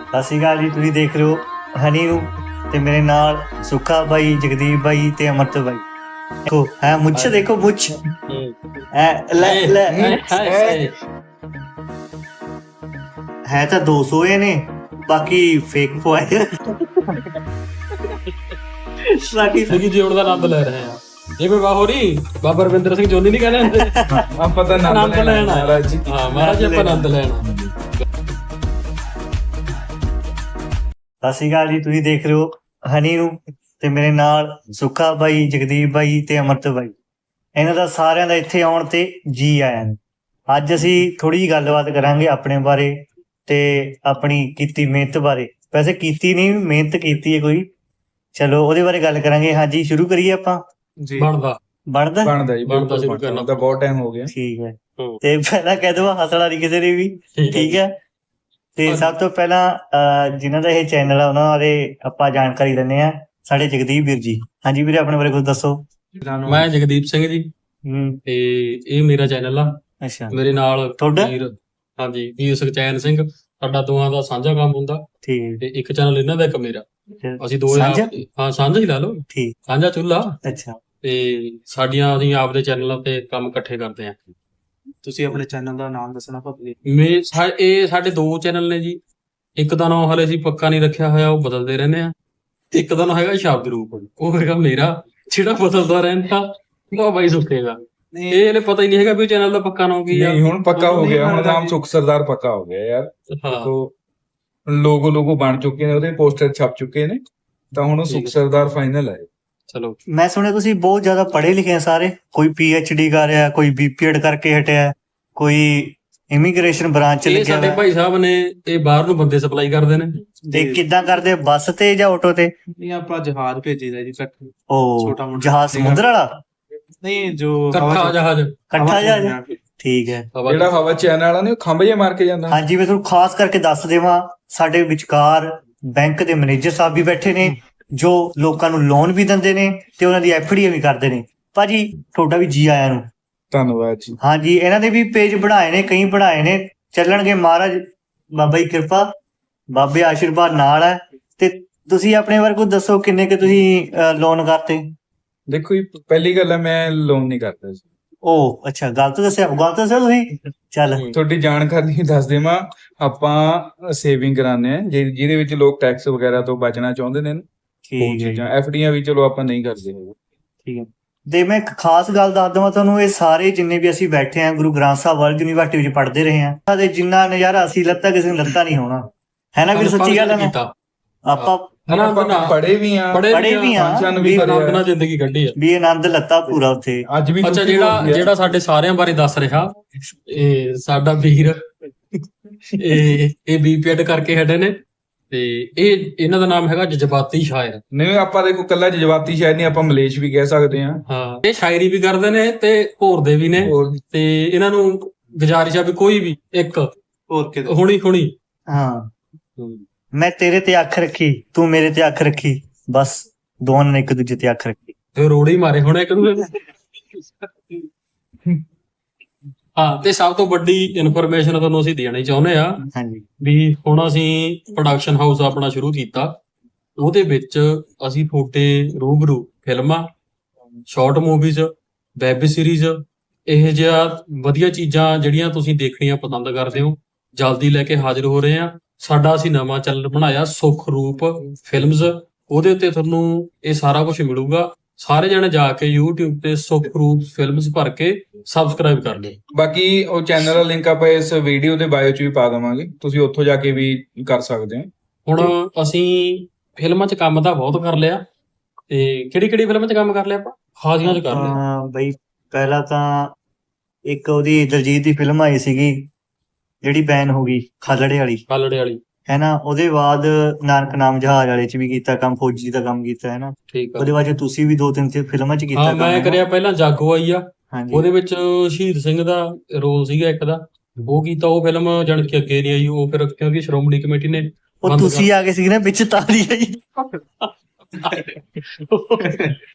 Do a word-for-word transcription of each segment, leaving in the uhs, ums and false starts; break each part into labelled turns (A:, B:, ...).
A: ਸਤਿ ਸ਼੍ਰੀ ਅਕਾਲ ਜੀ। ਤੁਸੀਂ ਦੇਖ ਰਹੇ ਹੋ ਹਨੀ ਨੂੰ ਤੇ ਮੇਰੇ ਨਾਲ ਸੁੱਖਾ ਬਾਈ, ਜਗਦੀਪ ਬਾਈ ਤੇ ਅਮਰਤ ਬਾਈ। ਦੇਖੋ ਹੈ ਮੁੱਛ, ਦੇਖੋ ਮੁੱਛ ਐ ਲੈ ਲੈ ਹੈ ਤਾਂ ਦੋ ਸੌ ਇਹ ਨੇ, ਬਾਕੀ ਫੇਕ ਪਵਾਏ। ਬਾਕੀ
B: ਸਿੱਖੀ ਜੀਵਨ ਦਾ ਆਨੰਦ ਲੈ ਰਹੇ ਆ। ਇਹ ਕੋਈ ਬਾਹੋਰੀ ਬਾਬਾ ਰਵਿੰਦਰ ਸਿੰਘ ਜੋਨੀ ਨਹੀਂ ਕਹਿੰਦੇ ਹੁੰਦੇ
C: ਆਪਾਂ ਤਾਂ
B: ਆਨੰਦ ਲੈਣਾ
C: ਮਹਾਰਾਜ ਜੀ।
B: ਹਾਂ ਮਹਾਰਾਜ ਆਪਾਂ ਆਨੰਦ ਲੈਣਾ।
A: ਸਤਿ ਸ਼੍ਰੀ ਅਕਾਲ ਜੀ। ਤੁਸੀਂ ਦੇਖ ਰਹੇ ਹੋ ਹਨੀ ਨੂੰ ਤੇ ਮੇਰੇ ਨਾਲ ਸੁੱਖਾ ਬਾਈ, ਜਗਦੀਪ ਬਾਈ ਤੇ ਅਮਰਤ ਬਾਈ। ਇਹਨਾਂ ਦਾ ਸਾਰਿਆਂ ਦਾ ਇੱਥੇ ਆਉਣ ਤੇ ਜੀ ਆਇਆਂ ਨੂੰ। ਅੱਜ ਅਸੀਂ ਥੋੜੀ ਜਿਹੀ ਗੱਲਬਾਤ ਕਰਾਂਗੇ ਆਪਣੇ ਬਾਰੇ ਤੇ ਆਪਣੀ ਕੀਤੀ ਮਿਹਨਤ ਬਾਰੇ। ਵੈਸੇ ਕੀਤੀ ਨਹੀਂ, ਮਿਹਨਤ ਕੀਤੀ ਹੈ ਕੋਈ। ਚਲੋ ਉਹਦੇ ਬਾਰੇ ਗੱਲ ਕਰਾਂਗੇ। ਹਾਂਜੀ ਸ਼ੁਰੂ ਕਰੀਏ ਆਪਾਂ।
C: ਜੀ
B: ਬਣਦਾ
A: ਬਣਦਾ
C: ਬਣਦਾ ਜੀ,
B: ਬਣਦਾ
C: ਬਿਲਕੁਲ
B: ਸ਼ੁਰੂ
C: ਬਣਦਾ।
B: ਕਰਨਾ।
C: ਤਾਂ ਬਹੁਤ ਟਾਈਮ ਹੋ ਗਿਆ।
A: ਠੀਕ ਹੈ।
B: ਹੂੰ।
A: ਤੇ ਪਹਿਲਾਂ ਕਹਿ ਦਵਾ ਹੱਸਣਾ ਨਹੀਂ ਕਿਸੇ ਨੇ ਵੀ, ਠੀਕ ਹੈ। ਤੇ ਸਭ ਤੋਂ ਪਹਿਲਾਂ ਅਹ ਜਿਨ੍ਹਾਂ ਦਾ ਇਹ ਚੈਨਲ ਆ ਉਹਨਾਂ ਬਾਰੇ ਆਪਾਂ ਜਾਣਕਾਰੀ ਲੈਂਦੇ ਆ। ਸਾਡੇ ਜਗਦੀਪ ਵੀਰ ਜੀ। ਹਾਂਜੀ ਵੀਰੇ, ਆਪਣੇ ਬਾਰੇ ਕੁਝ ਦੱਸੋ।
B: ਮੈਂ ਜਗਦੀਪ ਸਿੰਘ ਜੀ
A: ਹੂੰ।
B: ਤੇ ਇਹ ਮੇਰਾ ਚੈਨਲ ਆ।
A: ਅੱਛਾ
B: ਮੇਰੇ ਨਾਲ
A: ਤੁਹਾਡਾ?
B: ਵੀਰ ਹਾਂਜੀ ਵੀਰ ਸੁਖਚੈਨ ਸਿੰਘ। ਸਾਡਾ ਦੋਵਾਂ ਦਾ ਸਾਂਝਾ ਕੰਮ ਹੁੰਦਾ
A: ਠੀਕ
B: ਤੇ ਇੱਕ ਚੈਨਲ ਇਹਨਾਂ ਦਾ ਇੱਕ ਮੇਰਾ।
A: ਹੈ।
B: ਅਸੀਂ ਦੋ
A: ਸਾਂਝਾ?
B: ਆਪ- ਹਾਂ ਸਾਂਝਾ ਹੀ ਲਾ ਲਓ,
A: ਠੀਕ।
B: ਸਾਂਝਾ ਚੁੱਲ੍ਹਾ।
A: ਅੱਛਾ
B: ਤੇ ਸਾਡੀਆਂ ਅਸੀਂ ਆਪਦੇ ਚੈਨਲਾਂ ਤੇ ਕੰਮ ਇਕੱਠੇ ਕਰਦੇ ਆ।
D: ਤੁਸੀਂ ਆਪਣੇ ਚੈਨਲ ਦਾ ਨਾਮ ਦੱਸਣਾ ਭਾਵੇਂ।
B: ਮੇ ਸਾ- ਇਹ ਸਾਡੇ ਦੋ ਚੈਨਲ ਨੇ ਜੀ। ਇੱਕ ਦਾ ਨਾਮ ਹਲੇ ਅਸੀਂ ਪੱਕਾ ਨਹੀਂ ਰੱਖਿਆ ਹੋਇਆ, ਉਹ ਬਦਲਦੇ ਰਹਿੰਦੇ ਆ। ਤੇ ਇੱਕ ਦਾ ਨਾਮ ਹੈਗਾ ਸ਼ਬਦ ਰੂਪ, ਉਹ ਹੈਗਾ ਮੇਰਾ ਜਿਹੜਾ ਬਦਲਦਾ ਰਹਿੰਦਾ। ਉਹ ਬਾਈ ਸੁੱਖੇਗਾ। ਇਹ ਹਲੇ ਪਤਾ ਹੀ ਨਹੀਂ ਹੈਗਾ ਵੀ ਚੈਨਲ ਦਾ ਪੱਕਾ ਨਾਮ ਕੀ ਆ।
C: ਨਹੀਂ ਹੁਣ ਪੱਕਾ ਹੋ
D: ਨਹੀਂ
C: ਗਿਆ, ਹੁਣ
D: ਬਣਦਾ
C: ਨਾਮ
D: ਜੀ।
C: ਸੁਖ ਸਰਦਾਰ ਪੱਕਾ ਹੋ ਗਿਆ ਯਾਰ।
B: ਹਾਂ
C: ਦੇਖੋ ਲੋਗੋ ਲੋਗੋ ਬਣ ਚੁੱਕੇ ਨੇ, ਉਹਦੇ ਪੋਸਟਰ ਛਪ ਚੁੱਕੇ ਨੇ, ਤਾਂ ਹੁਣ ਉਹ
B: ਠੀਕ
C: ਸੁਖ
B: ਹੈ।
C: ਸਰਦਾਰ ਫਾਈਨਲ ਹੈ।
B: ਚਲੋ
A: ਮੈਂ ਸੁਣਿਆ ਤੁਸੀਂ ਬਹੁਤ ਜ਼ਿਆਦਾ ਪੜ੍ਹੇ ਲਿਖੇ ਆ ਸਾਰੇ। ਕੋਈ ਪੀ ਐਚ ਡੀ ਕਰ ਰਿਹਾ, ਕੋਈ ਬੀ ਪੀ ਐਡ ਕਰਕੇ ਹਟਿਆ, ਕੋਈ ਇਮੀਗ੍ਰੇਸ਼ਨ ਬ੍ਰਾਂਚ ਚ
B: ਇਹ
A: ਲੱਗਿਆ
B: ਸਾਡੇ
A: ਹੋਇਆ।
B: ਭਾਈ ਸਾਹਿਬ ਨੇ ਇਹ ਬਾਹਰ ਨੂੰ ਬੰਦੇ ਸਪਲਾਈ ਕਰਦੇ ਨੇ।
A: ਤੇ ਕਿੱਦਾਂ ਕਰਦੇ, ਬੱਸ ਤੇ ਜਾਂ ਆਟੋ ਤੇ?
D: ਨਹੀਂ ਆਪਾਂ ਜਹਾਜ਼ ਭੇਜੀਦਾ ਜੀ ਕੱਟ
A: ਉਹ
D: ਛੋਟਾ ਮੋਟਾ।
A: ਜਹਾਜ਼ ਸਮੁੰਦਰ ਵਾਲਾ,
D: ਨਹੀਂ ਜੋ
B: ਇਕੱਠਾ ਜਹਾਜ਼
A: ਇਕੱਠਾ ਜਹਾਜ਼। ਠੀਕ ਹੈ।
B: ਹਵਾ
C: ਜਿਹੜਾ ਹਵਾ ਚੈਨ ਵਾਲਾ ਨੇ ਉਹ ਖੰਭ ਜੇ ਮਾਰ ਕੇ ਜਾਂਦਾ।
A: ਹਾਂਜੀ ਮੈਂ ਤੁਹਾਨੂੰ ਖਾਸ ਕਰਕੇ ਦੱਸ ਦੇਵਾਂ, ਸਾਡੇ ਵਿਚਕਾਰ ਬੈਂਕ ਦੇ ਮੈਨੇਜਰ ਸਾਹਿਬ ਵੀ ਬੈਠੇ ਨੇ, ਜੋ ਲੋਕਾਂ ਨੂੰ ਲੋਨ ਵੀ ਦਿੰਦੇ ਨੇ ਤੇ ਉਹਨਾਂ ਦੀ ਐਫ ਡੀ ਵੀ ਕਰਦੇ ਨੇ। ਭਾਜੀ ਤੁਹਾਡਾ ਵੀ ਜੀ ਆਇਆਂ ਨੂੰ।
C: ਧੰਨਵਾਦ ਜੀ।
A: ਹਾਂਜੀ ਇਹਨਾਂ ਦੇ ਵੀ ਪੇਜ ਬਣਾਏ ਨੇ, ਕਈ ਬਣਾਏ ਨੇ, ਚੱਲਣਗੇ। ਮਹਾਰਾਜ ਬਾਬਾ ਜੀ ਕਿਰਪਾ, ਬਾਬੇ ਆਸ਼ੀਰਵਾਦ ਨਾਲ ਹੈ। ਤੇ ਤੁਸੀਂ ਆਪਣੇ ਬਾਰੇ ਕੁਝ ਦੱਸੋ, ਕਿੰਨੇ ਕਿ ਤੁਸੀਂ ਲੋਨ ਕਰਤੇ?
C: ਦੇਖੋ ਜੀ, ਪਹਿਲੀ ਗੱਲ ਹੈ ਮੈਂ ਲੋਨ ਨਹੀਂ ਕਰਦਾ ਸੀ।
A: ਉਹ ਅੱਛਾ, ਗਲਤ ਦੱਸਿਆ, ਗਲਤ ਦੱਸਿਆ ਤੁਸੀਂ। ਚੱਲ
C: ਤੁਹਾਡੀ ਜਾਣਕਾਰੀ ਲਈ ਦੱਸ ਦੇਵਾਂ, ਆਪਾਂ ਸੇਵਿੰਗ ਕਰਾਉਂਦੇ ਆ ਜਿ- ਜਿਹਦੇ ਵਿੱਚ ਲੋਕ ਟੈਕਸ ਵਗੈਰਾ ਤੋਂ ਬਚਣਾ ਚਾਹੁੰਦੇ ਨੇ ਨਾ, ਉਹ
A: ਠੀਕ ਹੈ ਜੀ,
C: ਚੀਜ਼ਾਂ। ਐਫ ਡੀਆਂ ਵੀ ਚਲੋ ਆਪਾਂ ਨਹੀਂ ਕਰਦੇ ਹੈਗੇ।
A: ਠੀਕ ਹੈ। ਤੇ ਮੈਂ ਇੱਕ ਖਾਸ ਗੱਲ ਦੱਸ ਦਵਾਂ ਤੁਹਾਨੂੰ, ਇਹ ਸਾਰੇ ਜਿੰਨੇ ਵੀ ਅਸੀਂ ਬੈਠੇ ਆ ਗੁਰੂ ਗ੍ਰੰਥ ਸਾਹਿਬ ਵਰਲਡ ਯੂਨੀਵਰਸਿਟੀ ਵਿੱਚ ਪੜ੍ਹਦੇ ਰਹੇ ਆ, ਤੇ ਜਿੰਨਾ ਨਜ਼ਾਰਾ ਅਸੀਂ ਲੱਤਾ ਕਿਸੇ ਨੂੰ ਲੱਤਾ ਨਹੀਂ ਹੋਣਾ, ਹੈ ਨਾ ਵੀਰ? ਸੱਚੀ ਗੱਲ ਹੈ ਨਾ।
B: ਕੀਤਾ
A: ਆਪਾਂ
B: ਆਨੰਦ
C: ਆਪਾਂ
B: ਨਾਲ
C: ਪੜ੍ਹੇ ਵੀ ਆ,
B: ਪੜ੍ਹੇ
A: ਪੜ੍ਹੇ ਵੀ ਆ,
C: ਫੰਕਸ਼ਨ ਵੀ
A: ਵੀ
C: ਕਰੇ
B: ਆਨੰਦ
C: ਆ।
B: ਨਾਲ ਜ਼ਿੰਦਗੀ ਕੱਢੀ ਆ।
A: ਵੀ ਆਨੰਦ ਲੱਤਾ ਪੂਰਾ ਉੱਥੇ।
C: ਅੱਜ ਵੀ
B: ਅੱਛਾ
C: ਤੁਸੀਂ
B: ਜਿਹੜਾ
C: ਬੋਲਦੇ ਆ।
B: ਜਿਹੜਾ ਸਾਡੇ ਸਾਰਿਆਂ ਬਾਰੇ ਦੱਸ ਰਿਹਾ, ਇਹ ਸਾਡਾ ਵੀਰ ਇਹ ਇਹ ਬੀਪੀਐਡ ਕਰਕੇ ਹਟੇ ਨੇ। ਤੇ ਇਹ ਇਹਨਾਂ ਦਾ ਨਾਮ ਹੈਗਾ ਜਜ਼ਬਾਤੀ ਸ਼ਾਇਰ।
C: ਨਹੀਂ ਆਪਾਂ ਦੇਖੋ ਕੱਲਾ ਜਜ਼ਬਾਤੀ ਸ਼ਾਇਦ ਨਹੀਂ, ਆਪਾਂ ਮਲੇਸ਼ ਵੀ ਕਹਿ ਸਕਦੇ ਹਾਂ।
B: ਹਾਂ ਇਹ ਸ਼ਾਇਰੀ ਵੀ ਕਰਦੇ ਨੇ ਤੇ ਘੋਰਦੇ ਵੀ ਨੇ।
C: ਹੋਰ
B: ਤੇ ਇਹਨਾਂ ਨੂੰ ਗੁਜ਼ਾਰਿਸ਼ ਆ ਵੀ ਕੋਈ ਵੀ ਇੱਕ
D: ਹੋਰ ਕਿਤੇ
B: ਹੁਣੀ ਹੁਣੀ
A: ਹਾਂ, ਮੈਂ ਤੇਰੇ ਤੇ ਅੱਖ ਰੱਖੀ, ਤੂੰ ਮੇਰੇ ਤੇ ਅੱਖ ਰੱਖੀ, ਬਸ ਦੋਵਾਂ ਨੇ ਇੱਕ ਦੂਜੇ ਤੇ ਅੱਖ ਰੱਖੀ।
B: ਤੇ ਰੋੜੇ ਹੀ ਮਾਰੇ ਹੁਣ ਇੱਕ ਦੂਜੇ ਨੂੰ। ਹਾਂ ਤੇ ਸਭ ਤੋਂ ਵੱਡੀ ਇਨਫੋਰਮੇਸ਼ਨ ਤੁਹਾਨੂੰ ਅਸੀਂ ਦੇਣੀ ਚਾਹੁੰਦੇ ਆ
A: ਹਾਂਜੀ
B: ਵੀ ਹੁਣ ਅਸੀਂ ਪ੍ਰੋਡਕਸ਼ਨ ਹਾਊਸ ਆਪਣਾ ਸ਼ੁਰੂ ਕੀਤਾ। ਉਹਦੇ ਵਿੱਚ ਅਸੀਂ ਤੁਹਾਡੇ ਰੂਬਰੂ ਫਿਲਮਾਂ, ਸ਼ਾਰਟ ਮੂਵੀਜ਼, ਵੈਬ ਸੀਰੀਜ਼, ਇਹ ਜਿਹਾ ਵਧੀਆ ਚੀਜ਼ਾਂ ਜਿਹੜੀਆਂ ਤੁਸੀਂ ਦੇਖਣੀਆਂ ਪਸੰਦ ਕਰਦੇ ਹੋ, ਜਲਦੀ ਲੈ ਕੇ ਹਾਜ਼ਰ ਹੋ ਰਹੇ ਆ। ਸਾਡਾ ਅਸੀਂ ਨਵਾਂ ਚੈਨਲ ਬਣਾਇਆ ਸੁਖ ਰੂਪ ਫਿਲਮਜ਼। ਉਹਦੇ ਉੱਤੇ ਤੁਹਾਨੂੰ ਇਹ ਸਾਰਾ ਕੁਝ ਮਿਲੂਗਾ। ਸਾਰੇ ਜਣੇ ਜਾ ਕੇ YouTube ਤੇ ਸੁਖ ਰੂਪ ਫਿਲਮਜ਼ ਭਰ ਕੇ ਸਬਸਕ੍ਰਾਈਬ ਕਰ ਲਿਓ।
C: ਬਾਕੀ ਉਹ ਚੈਨਲ ਦਾ ਲਿੰਕ ਆਪਾਂ ਇਸ ਵੀਡੀਓ ਦੇ ਬਾਇਓ 'ਚ ਵੀ ਪਾ ਦੇਵਾਂਗੇ, ਤੁਸੀਂ ਉੱਥੋਂ ਜਾ ਕੇ ਵੀ ਕਰ ਸਕਦੇ ਹੋ।
B: ਹੁਣ ਅਸੀਂ ਫਿਲਮਾਂ 'ਚ ਕੰਮ ਤਾਂ ਬਹੁਤ ਕਰ ਲਿਆ। ਤੇ ਕਿਹੜੀ ਕਿਹੜੀ ਫਿਲਮਾਂ 'ਚ ਕੰਮ ਕਰ ਲਿਆ ਆਪਾਂ? ਹਾਜ਼ੀਆਂ 'ਚ ਕਰ ਲਿਆ।
A: ਹਾਂ ਬਈ, ਪਹਿਲਾਂ ਤਾਂ ਇੱਕ ਉਹਦੀ ਦਲਜੀਤ ਦੀ ਫਿਲਮ ਆਈ ਸੀਗੀ ਜਿਹੜੀ ਬੈਨ ਹੋ ਗਈ, ਖਾਲੜੇ ਵਾਲੀ,
B: ਕਾਲੜੇ ਵਾਲੀ।
A: ਹੈ ਨਾ। ਉਹਦੇ ਬਾਅਦ ਨਾਨਕ ਨਾਮ ਜਹਾਜ਼ ਵਾਲੇ ਚ ਵੀ ਕੀਤਾ ਕੰਮ, ਫੌਜੀ ਦਾ ਕੰਮ ਕੀਤਾ, ਹੈ ਨਾ।
B: ਠੀਕ ਆ।
A: ਉਹਦੇ ਬਾਅਦ 'ਚ ਤੁਸੀਂ ਵੀ ਦੋ ਤਿੰਨ ਤੇ ਫਿਲਮਾਂ ਚ ਕੀਤਾ
B: ਹਾਂ
A: ਕੰਮ,
B: ਮੈਂ
A: ਹੈ ਨਾ?
B: ਕਰਿਆ ਪਹਿਲਾਂ ਜਾਗੋ ਆਈ ਆ,
A: ਹਾਂਜੀ
B: ਉਹਦੇ ਵਿੱਚ ਸ਼ਹੀਦ ਸਿੰਘ ਦਾ ਰੋਲ ਸੀਗਾ ਇੱਕ ਦਾ, ਉਹ ਕੀਤਾ। ਉਹ ਫਿਲਮ ਜਾਣ ਕੇ ਅੱਗੇ ਨਹੀਂ ਆਈ, ਉਹ ਫਿਰ ਕਿਉਂਕਿ ਸ਼੍ਰੋਮਣੀ ਕਮੇਟੀ ਨੇ
A: ਉਹ
B: ਬੰਦ
A: ਤੁਸੀਂ ਆ ਗਏ ਸੀ ਨਾ ਵਿੱਚ, ਤਾਰੀ ਆਈ।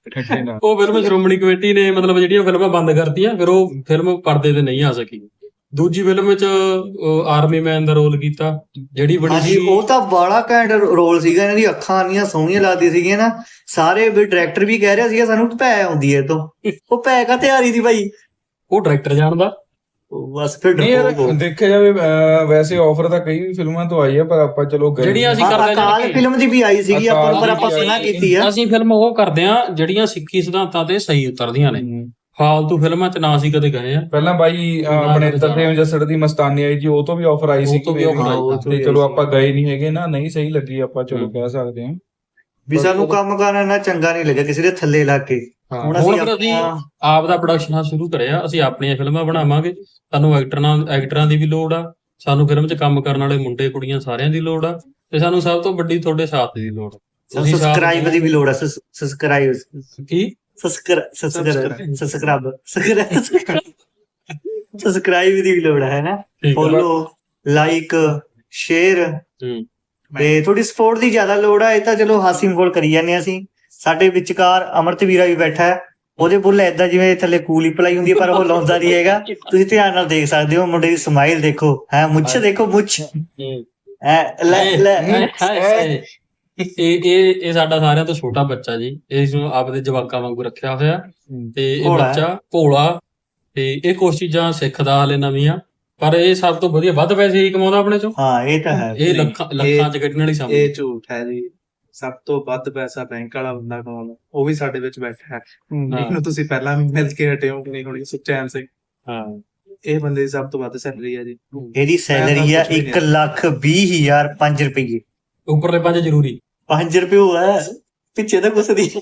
B: ਉਹ ਫਿਲਮ ਸ਼੍ਰੋਮਣੀ ਕਮੇਟੀ ਨੇ ਮਤਲਬ ਜਿਹੜੀਆਂ ਫਿਲਮਾਂ ਬੰਦ ਕਰਤੀਆਂ, ਫਿਰ ਉਹ ਫਿਲਮ ਪਰਦੇ ਤੇ ਨਹੀਂ ਆ ਸਕੀ। ਦੂਜੀ ਫਿਲਮ ਵਿੱਚ ਆਰਮੀ ਮੈਨ ਦਾ ਰੋਲ ਕੀਤਾ, ਜਿਹੜੀ ਬੜੀ
A: ਹਾਂਜੀ
B: ਸੀ
A: ਉਹ ਤਾਂ ਬੜਾ ਘੈਂਟ ਰੋਲ ਸੀਗਾ। ਇਹਨਾਂ ਦੀ ਅੱਖਾਂ ਇੰਨੀਆਂ ਸੋਹਣੀਆਂ ਲੱਗਦੀਆਂ ਸੀਗੀਆਂ ਨਾ, ਸਾਰੇ ਵੀ ਡਾਇਰੈਕਟਰ ਵੀ ਕਹਿ ਰਿਹਾ ਸੀਗਾ ਸਾਨੂੰ ਭੈ ਆਉਂਦੀ ਹੈ ਇਹ ਤੋਂ। ਉਹ ਭੈ ਕਾ ਤਿਆਰੀ ਦੀ ਭਾਈ,
B: ਉਹ ਡਾਇਰੈਕਟਰ ਜਾਣਦਾ।
A: ਉਹ ਬਸ ਫਿਰ
C: ਨਹੀਂ ਯਾਰ
A: ਡਰਪੋਕ ਹੋ।
C: ਦੇਖਿਆ ਜਾਵੇ ਅਹ, ਵੈਸੇ ਆਫਰ ਤਾਂ ਕਈ ਫਿਲਮਾਂ ਤੋਂ ਆਈ ਆ, ਪਰ ਆਪਾਂ ਚਲੋ ਗਏ
B: ਜਿਹੜੀਆਂ ਅਸੀਂ
A: ਹਾਂ,
B: ਕਰਦੇ
A: ਅਕਾਲ
B: ਜਾਣਗੇ।
A: ਫਿਲਮ ਦੀ ਵੀ ਆਈ ਸੀਗੀ ਆਪਾਂ ਨੂੰ, ਪਰ ਆਪਾਂ
C: ਅਕਾਲ ਦੀ
A: ਸੁਣਾ
C: ਆਈ
A: ਕੀਤੀ ਆ।
B: ਅਸੀਂ ਫਿਲਮ ਉਹ ਕਰਦੇ ਆ ਜਿਹੜੀਆਂ ਸਿੱਖੀ ਸਿਧਾਂਤਾਂ ਤੇ ਸਹੀ ਉਤਰਦੀਆਂ ਨੇ।
C: ਹਮ।
B: ਫਾਲਤੂ ਫਿਲਮਾਂ 'ਚ ਨਾ ਅਸੀਂ ਕਦੇ ਗਏ ਆ।
C: ਪਹਿਲਾਂ ਬਾਈ ਅਹ, ਆਪਣੇ ਤਰਸੇਮ ਜੱਸੜ ਦੀ ਮਸਤਾਨੀ ਆਈ ਜੀ, ਉਹ ਤੋਂ ਵੀ ਆਫਰ ਆਈ
B: ਉਹ
C: ਸੀ
B: ਤੋਂ ਵੀ offer ਆਈ
A: ਹਾਂ,
C: ਤੇ ਚਲੋ ਆਪਾਂ ਗਏ ਨਹੀਂ ਹੈਗੇ ਨਾ, ਨਹੀਂ ਸਹੀ ਲੱਗੀ, ਆਪਾਂ ਚਲੋ ਕਹਿ ਸਕਦੇ ਹਾਂ।
A: ਵੀ ਸਾਨੂੰ ਕੰਮ ਕਰਨਾ ਇੰਨਾ ਚੰਗਾ ਨਹੀਂ ਲੱਗਿਆ ਕਿਸੇ ਦੇ ਥੱਲੇ ਲੱਗ ਕੇ।
B: ਹਾਂ,
A: ਹੁਣ
B: ਹੁਣ
A: ਅਸੀਂ
B: ਫਿਰ ਅਸੀਂ
A: ਆਪਣਾ-
B: ਆਪ ਦਾ ਪ੍ਰੋਡਕਸ਼ਨ ਹਾਊਸ ਸ਼ੁਰੂ ਕਰਿਆ। ਅਸੀਂ ਆਪਣੀਆਂ ਫਿਲਮਾਂ ਬਣਾਵਾਂਗੇ। ਸਾਨੂੰ ਐਕਟਰਾਂ ਐਕਟਰਾਂ ਦੀ ਵੀ ਲੋੜ ਆ, ਸਾਨੂੰ ਫਿਲਮ 'ਚ ਕੰਮ ਕਰਨ ਵਾਲੇ ਮੁੰਡੇ ਕੁੜੀਆਂ ਸਾਰਿਆਂ ਦੀ ਲੋੜ ਆ, ਤੇ ਸਾਨੂੰ ਸਭ ਤੋਂ ਵੱਡੀ ਤੁਹਾਡੇ ਸਾਥ ਦੀ ਲੋੜ ਆ। ਤੁਸੀਂ ਸਾਥ
A: ਸਬਸਕ੍ਰਾਈਬ ਦੀ ਵੀ ਲੋੜ ਆ। ਸਬਸਕ੍ਰਾਈਬ
B: ਕੀ
A: ਸਬਸਕ੍ਰਾਈਬ ਸਬਸਕ੍ਰਾਈਬ ਸਬਸਕ੍ਰਾਈਬ ਦੀ ਵੀ ਲੋੜ ਹੈ ਨਾ।
B: ਠੀਕ ਆ।
A: ਫੋਲੋ, ਲਾਈਕ, ਸ਼ੇਅਰ
B: ਹੂੰ।
A: ਤੇ ਥੋੜੀ ਸਪੋਰਟ ਦੀ ਜ਼ਿਆਦਾ ਲੋੜ ਆ। ਇਹ ਤਾਂ ਚਲੋ ਹਾਸੀ ਮਖੌਲ ਕਰੀ ਜਾਂਦੇ ਹਾਂ ਅਸੀਂ। ਸਾਡੇ ਵਿਚਕਾਰ ਅਮਰਤ ਵੀਰਾ ਵੀ ਬੈਠਾ ਹੈ, ਉਹਦੇ ਬੁੱਲ ਏਦਾਂ ਜਿਵੇਂ ਥੱਲੇ ਕੂਲੀ ਪਲਾਈ ਹੁੰਦੀ ਹੈ, ਪਰ ਉਹ ਲਾਉਂਦਾ ਨਹੀਂ ਹੈਗਾ। ਤੁਸੀਂ ਧਿਆਨ ਨਾਲ ਦੇਖ ਸਕਦੇ ਹੋ, ਮੁੰਡੇ ਦੀ ਸਮਾਈਲ ਦੇਖੋ, ਹੈ ਮੁੱਛ ਦੇਖੋ, ਮੁੱਛ
B: ਹੂੰ।
A: ਐ ਲੈ ਲੈ
B: ਹਾਏ, ਹਾਏ, ਹਾਏ। ਇਹ ਇਹ ਇਹ ਸਾਡਾ ਸਾਰਿਆਂ ਤੋਂ ਛੋਟਾ ਬੱਚਾ ਜੀ, ਇਸ ਨੂੰ ਆਪਦੇ ਜਵਾਕਾਂ ਵਾਂਗੂ ਰੱਖਿਆ ਹੋਇਆ। ਤੇ ਇਹ
A: ਭੋਲਾ ਹੈ।
B: ਬੱਚਾ ਭੋਲਾ, ਤੇ ਇਹ ਕੁਛ ਚੀਜ਼ਾਂ ਸਿੱਖਦਾ ਹਲੇ ਨਵੀਆਂ, ਪਰ ਇਹ ਸਭ ਤੋਂ ਵਧੀਆ ਵੱਧ ਪੈਸੇ ਹੀ ਕਮਾਉਂਦਾ ਆਪਣੇ ਚੋਂ।
A: ਹਾਂ ਇਹ ਤਾਂ ਹੈ।
B: ਇਹ ਲੱਖਾਂ ਲੱਖਾਂ ਚ ਕੱਢਣ ਵਾਲੀ ਸਮਝ।
D: ਇਹ ਝੂਠ ਹੈ ਜੀ। ਸਭ ਤੋਂ ਵੱਧ ਪੈਸਾ ਬੈਂਕ ਵਾਲਾ ਬੰਦਾ ਕਮਾਉਂਦਾ, ਉਹ ਵੀ ਸਾਡੇ ਵਿੱਚ ਬੈਠਾ ਹੈ। ਇਹਨੂੰ ਤੁਸੀਂ ਪਹਿਲਾਂ ਵੀ ਮਿਲ ਕੇ ਹਟੇ ਹੋ ਕਿ ਨਹੀਂ ਹੋਣੀ, ਸੁਖਚੈਨ ਸਿੰਘ।
B: ਹਾਂ,
D: ਇਹ ਬੰਦੇ ਦੀ ਸਭ ਤੋਂ ਵੱਧ ਸੈਲਰੀ ਹੈ ਜੀ।
A: ਇਹਦੀ ਸੈਲਰੀ ਆ ਇੱਕ ਲੱਖ ਵੀਹ ਹਜ਼ਾਰ ਪੰਜ ਰੁਪਏ।
B: ਉੱਪਰਲੇ ਪੰਜ ਜ਼ਰੂਰੀ।
A: ਪੰਜ ਰੁਪਏ ਹੋਇਆ ਪਿੱਛੇ ਤਾਂ ਕੁਛ ਦੀ।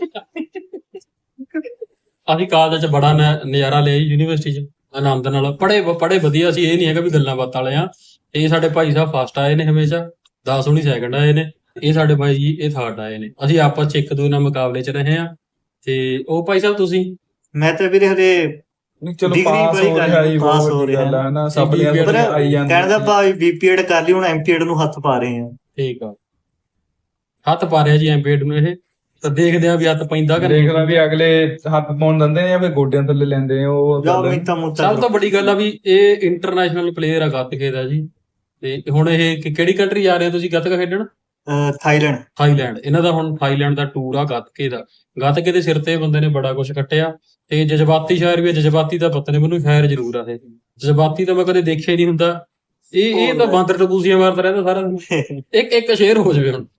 B: ਅਸੀਂ ਕਾਲਜ ਚ ਬੜਾ ਨ- ਨਜ਼ਾਰਾ ਲਿਆ ਜੀ, ਯੂਨੀਵਰਸਿਟੀ ਚ ਆਨੰਦ ਨਾਲ ਪੜੇ ਪੜੇ ਵਧੀਆ ਸੀ। ਇਹ ਨਹੀਂ ਹੈਗਾ ਵੀ ਗੱਲਾਂ ਬਾਤਾਂ ਵਾਲੇ ਆ। ਇਹ ਸਾਡੇ ਭਾਈ ਸਾਹਿਬ ਫਸਟ ਆਏ ਨੇ ਹਮੇਸ਼ਾ, ਦਸ ਹੁਣੀ ਸੈਕੰਡ ਆਏ ਨੇ। ਇਹ ਸਾਡੇ ਭਾਈ ਜੀ ਇਹ ਥਰਡ ਆਏ ਨੇ। ਅਸੀਂ ਆਪਸ ਚ ਇੱਕ ਦੂਜੇ ਨਾਲ ਮੁਕਾਬਲੇ ਚ ਰਹੇ ਆ। ਤੇ ਉਹ ਭਾਈ ਸਾਹਿਬ ਤੁਸੀਂ
A: ਮੈਂ ਤਾਂ ਵੀਰੇ ਹਰੇ
C: ਨਹੀਂ ਚਲੋ
A: Degree
C: ਪਾਸ
A: ਵਾਲੀ
C: ਹੋ
A: ਗੱਲ,
C: ਰਿਹਾ ਜੀ,
A: ਪਾਸ
C: ਬਹੁਤ
A: ਹੋ
C: ਵੱਡੀ
A: ਰਿਹਾ।
C: ਗੱਲ ਹੈ ਨਾ, ਸਭ ਦੀਆਂ
B: ਪਰ
C: ਗੱਲਾਂ ਆਈ
A: ਕਹਿਣ
C: ਜਾਂਦੀਆਂ
A: ਦਾ ਭਾਵੇਂ ਬੀਪੀਐਡ ਕਰ ਲਈ, ਹੁਣ ਐਮਪੀਐਡ ਨੂੰ ਹੱਥ ਪਾ ਰਹੇ ਆ।
B: ਠੀਕ ਆ, ਹੱਥ ਪਾ ਰਿਹਾ ਜੀ ਐਮਪੀਡ ਨੂੰ। ਇਹ ਤਾਂ ਦੇਖਦੇ ਆ ਵੀ ਹੱਥ ਪੈਂਦਾ ਕਿ ਨਹੀਂ।
C: ਦੇਖਦਾ ਵੀ ਅਗਲੇ ਹੱਥ ਪਾਉਣ ਦਿੰਦੇ ਨੇ ਜਾਂ ਫਿਰ ਗੋਡਿਆਂ ਥੱਲੇ ਲੈਂਦੇ ਨੇ, ਉਹ
A: ਜਾ
C: ਗੱਲ ਹੈ।
A: ਮਿੰਤਾ ਮੁੱਤਾ
B: ਸਭ ਤੋਂ ਵੱਡੀ ਗੱਲ ਆ ਵੀ ਇਹ ਇੰਟਰਨੈਸ਼ਨਲ ਪਲੇਅਰ ਆ ਗੱਤਕੇ ਦਾ ਜੀ। ਤੇ ਹੁਣ ਇਹ ਕਿ- ਕਿਹੜੀ ਕੰਟਰੀ ਜਾ ਰਹੇ ਹੋ ਤੁਸੀਂ ਗੱਤਕਾ ਖੇਡਣ?
A: ਥਾਈਲੈਂਡ।
B: ਥਾਈਲੈਂਡ। ਇਹਨਾਂ ਦਾ ਹੁਣ ਥਾਈਲੈਂਡ ਦਾ ਟੂਰ ਆ ਗੱਤਕੇ ਦਾ। ਗੱਤਕੇ ਦੇ ਸਿਰ ਤੇ ਬੰਦੇ ਨੇ ਬੜਾ ਕੁਝ ਕੱਟਿਆ। ਤੇ ਜਜ਼ਬਾਤੀ ਸ਼ਾਇਰ ਵੀ ਆ। ਜਜ਼ਬਾਤੀ ਦਾ ਪਤਾ ਨਹੀਂ ਮੈਨੂੰ, ਸ਼ਾਇਰ ਜ਼ਰੂਰ ਆ ਇਹ। ਜਜ਼ਬਾਤੀ ਤਾਂ ਮੈਂ ਕਦੇ ਦੇਖਿਆ ਹੀ ਨਹੀਂ ਹੁੰਦਾ। ਇਹ ਇਹ ਤਾਂ ਬਾਂਦਰ ਟਪੂਸੀਆਂ ਮਾਰਦਾ ਰਹਿੰਦਾ ਸਾਰਾ ਦਿਨ। ਇੱਕ ਇੱਕ ਸ਼ੇਰ ਹੋ ਜਾਵੇ ਹੁਣ।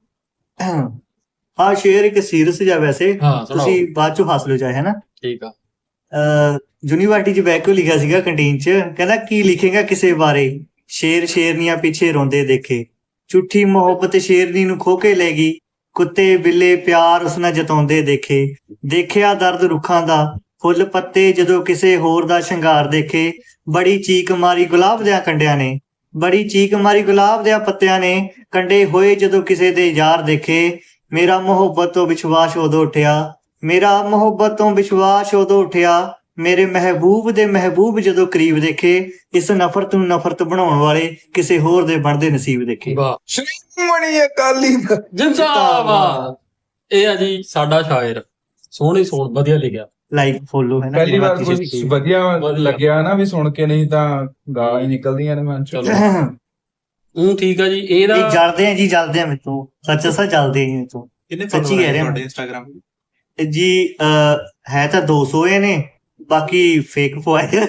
A: ਹਾਂ ਸ਼ੇਰ ਇੱਕ ਸੀਰੀਅਸ ਜਿਹਾ ਵੈਸੇ,
B: ਹਾਂ ਸੁਣਾਓ।
A: ਤੁਸੀਂ ਬਾਅਦ ਚੋਂ ਹੱਸ ਲਓ ਚਾਹੇ, ਹੈ ਨਾ।
B: ਠੀਕ ਆ।
A: ਯੂਨੀਵਰਸਿਟੀ ਚ ਬੈਠ ਕੇ ਲਿਖਿਆ ਸੀਗਾ ਕੰਟੀਨ ਚ, ਕਹਿੰਦਾ ਕੀ ਲਿਖੇਗਾ ਕਿਸੇ ਬਾਰੇ, ਸ਼ੇਰ ਸ਼ੇਰਨੀਆਂ ਪਿੱਛੇ ਰੋਂਦੇ ਦੇਖੇ, ਝੂਠੀ ਮੁਹੱਬਤ ਸ਼ੇਰਨੀ ਨੂੰ ਖੋ ਕੇ ਲੈ ਗਈ, ਕੁੱਤੇ ਬਿੱਲੇ ਪਿਆਰ ਉਸ ਨਾਲ ਜਤਾਉਂਦੇ ਦੇਖੇ, ਦੇਖਿਆ ਦਰਦ ਰੁੱਖਾਂ ਦਾ, ਫੁੱਲ ਪੱਤੇ ਜਦੋਂ ਕਿਸੇ ਹੋਰ ਦਾ ਸ਼ਿੰਗਾਰ ਦੇਖੇ, ਬੜੀ ਚੀਕ ਮਾਰੀ ਗੁਲਾਬ ਦਿਆਂ ਕੰਡਿਆਂ ਨੇ, ਬੜੀ ਚੀਕ ਮਾਰੀ ਗੁਲਾਬ ਦਿਆਂ ਪੱਤਿਆਂ ਨੇ, ਕੰਡੇ ਹੋਏ ਜਦੋਂ ਕਿਸੇ ਦੇ ਯਾਰ ਦੇਖੇ, ਮੇਰਾ ਮੁਹੱਬਤ ਤੋਂ ਵਿਸ਼ਵਾਸ ਉਦੋਂ ਉੱਠਿਆ, ਮੇਰਾ ਮੁਹੱਬਤ ਤੋਂ ਵਿਸ਼ਵਾਸ ਉਦੋਂ ਉੱਠਿਆ, ਮੇਰੇ ਮਹਿਬੂਬ ਦੇ ਮਹਿਬੂਬ ਜਦੋਂ ਕਰੀਬ ਦੇਖੇ, ਇਸ ਨਫ਼ਰਤ ਨੂੰ ਨਫ਼ਰਤ ਬਣਾਉਣ ਵਾਲੇ ਕਿਸੇ ਹੋਰ ਦੇ ਬਣਦੇ ਨਸੀਬ ਦੇਖੇ।
B: ਵਾਹ,
C: ਸ਼੍ਰੋਮਣੀ ਅਕਾਲੀ ਦਲ।
B: ਜਿੰਦਾਬਾਦ। ਇਹ ਆ ਜੀ ਸਾਡਾ ਸ਼ਾਇਰ। ਸੋਹਣੀ ਸੋਹਣ ਵਧੀਆ ਲਿਖਿਆ।
A: ਲਾਈਕ ਫੋਲੋ ਹੈ ਨਾ।
C: ਪਹਿਲੀ ਵਾਰ
A: ਜਿਵੇਂ
C: ਕੁਝ ਵਧੀਆ
B: ਵਧੀਆ।
C: ਲੱਗਿਆ ਨਾ ਵੀ ਸੁਣ ਕੇ, ਨਹੀਂ ਤਾਂ ਗਾਲਾਂ ਹੀ ਨਿਕਲਦੀਆਂ ਨੇ ਮਨ ਚੋਂ।
B: ਚਲੋ ਹੂੰ ਠੀਕ ਆ ਜੀ। ਇਹਦਾ
A: ਇਹ ਜਲਦੇ ਆ ਜੀ, ਜਲਦੇ ਆ ਮੇਰੇ ਤੋਂ, ਸੱਚ ਸੱਚ ਜਲਦੇ ਆ ਮੇਰੇ ਤੋਂ।
D: ਕਿੰਨੇ
A: ਸੱਚੀ
D: follower
A: ਕਹਿ ਰਿਹਾ
D: ਤੁਹਾਡੇ
A: ਮੈਂ।
D: ਇੰਸਟਾਗ੍ਰਾਮ
A: ਤੇ ਜੀ ਅਹ, ਹੈ ਤਾਂ ਦੋ ਸੌ ਨੇ, ਬਾਕੀ ਫੇਕ ਪਵਾਏ,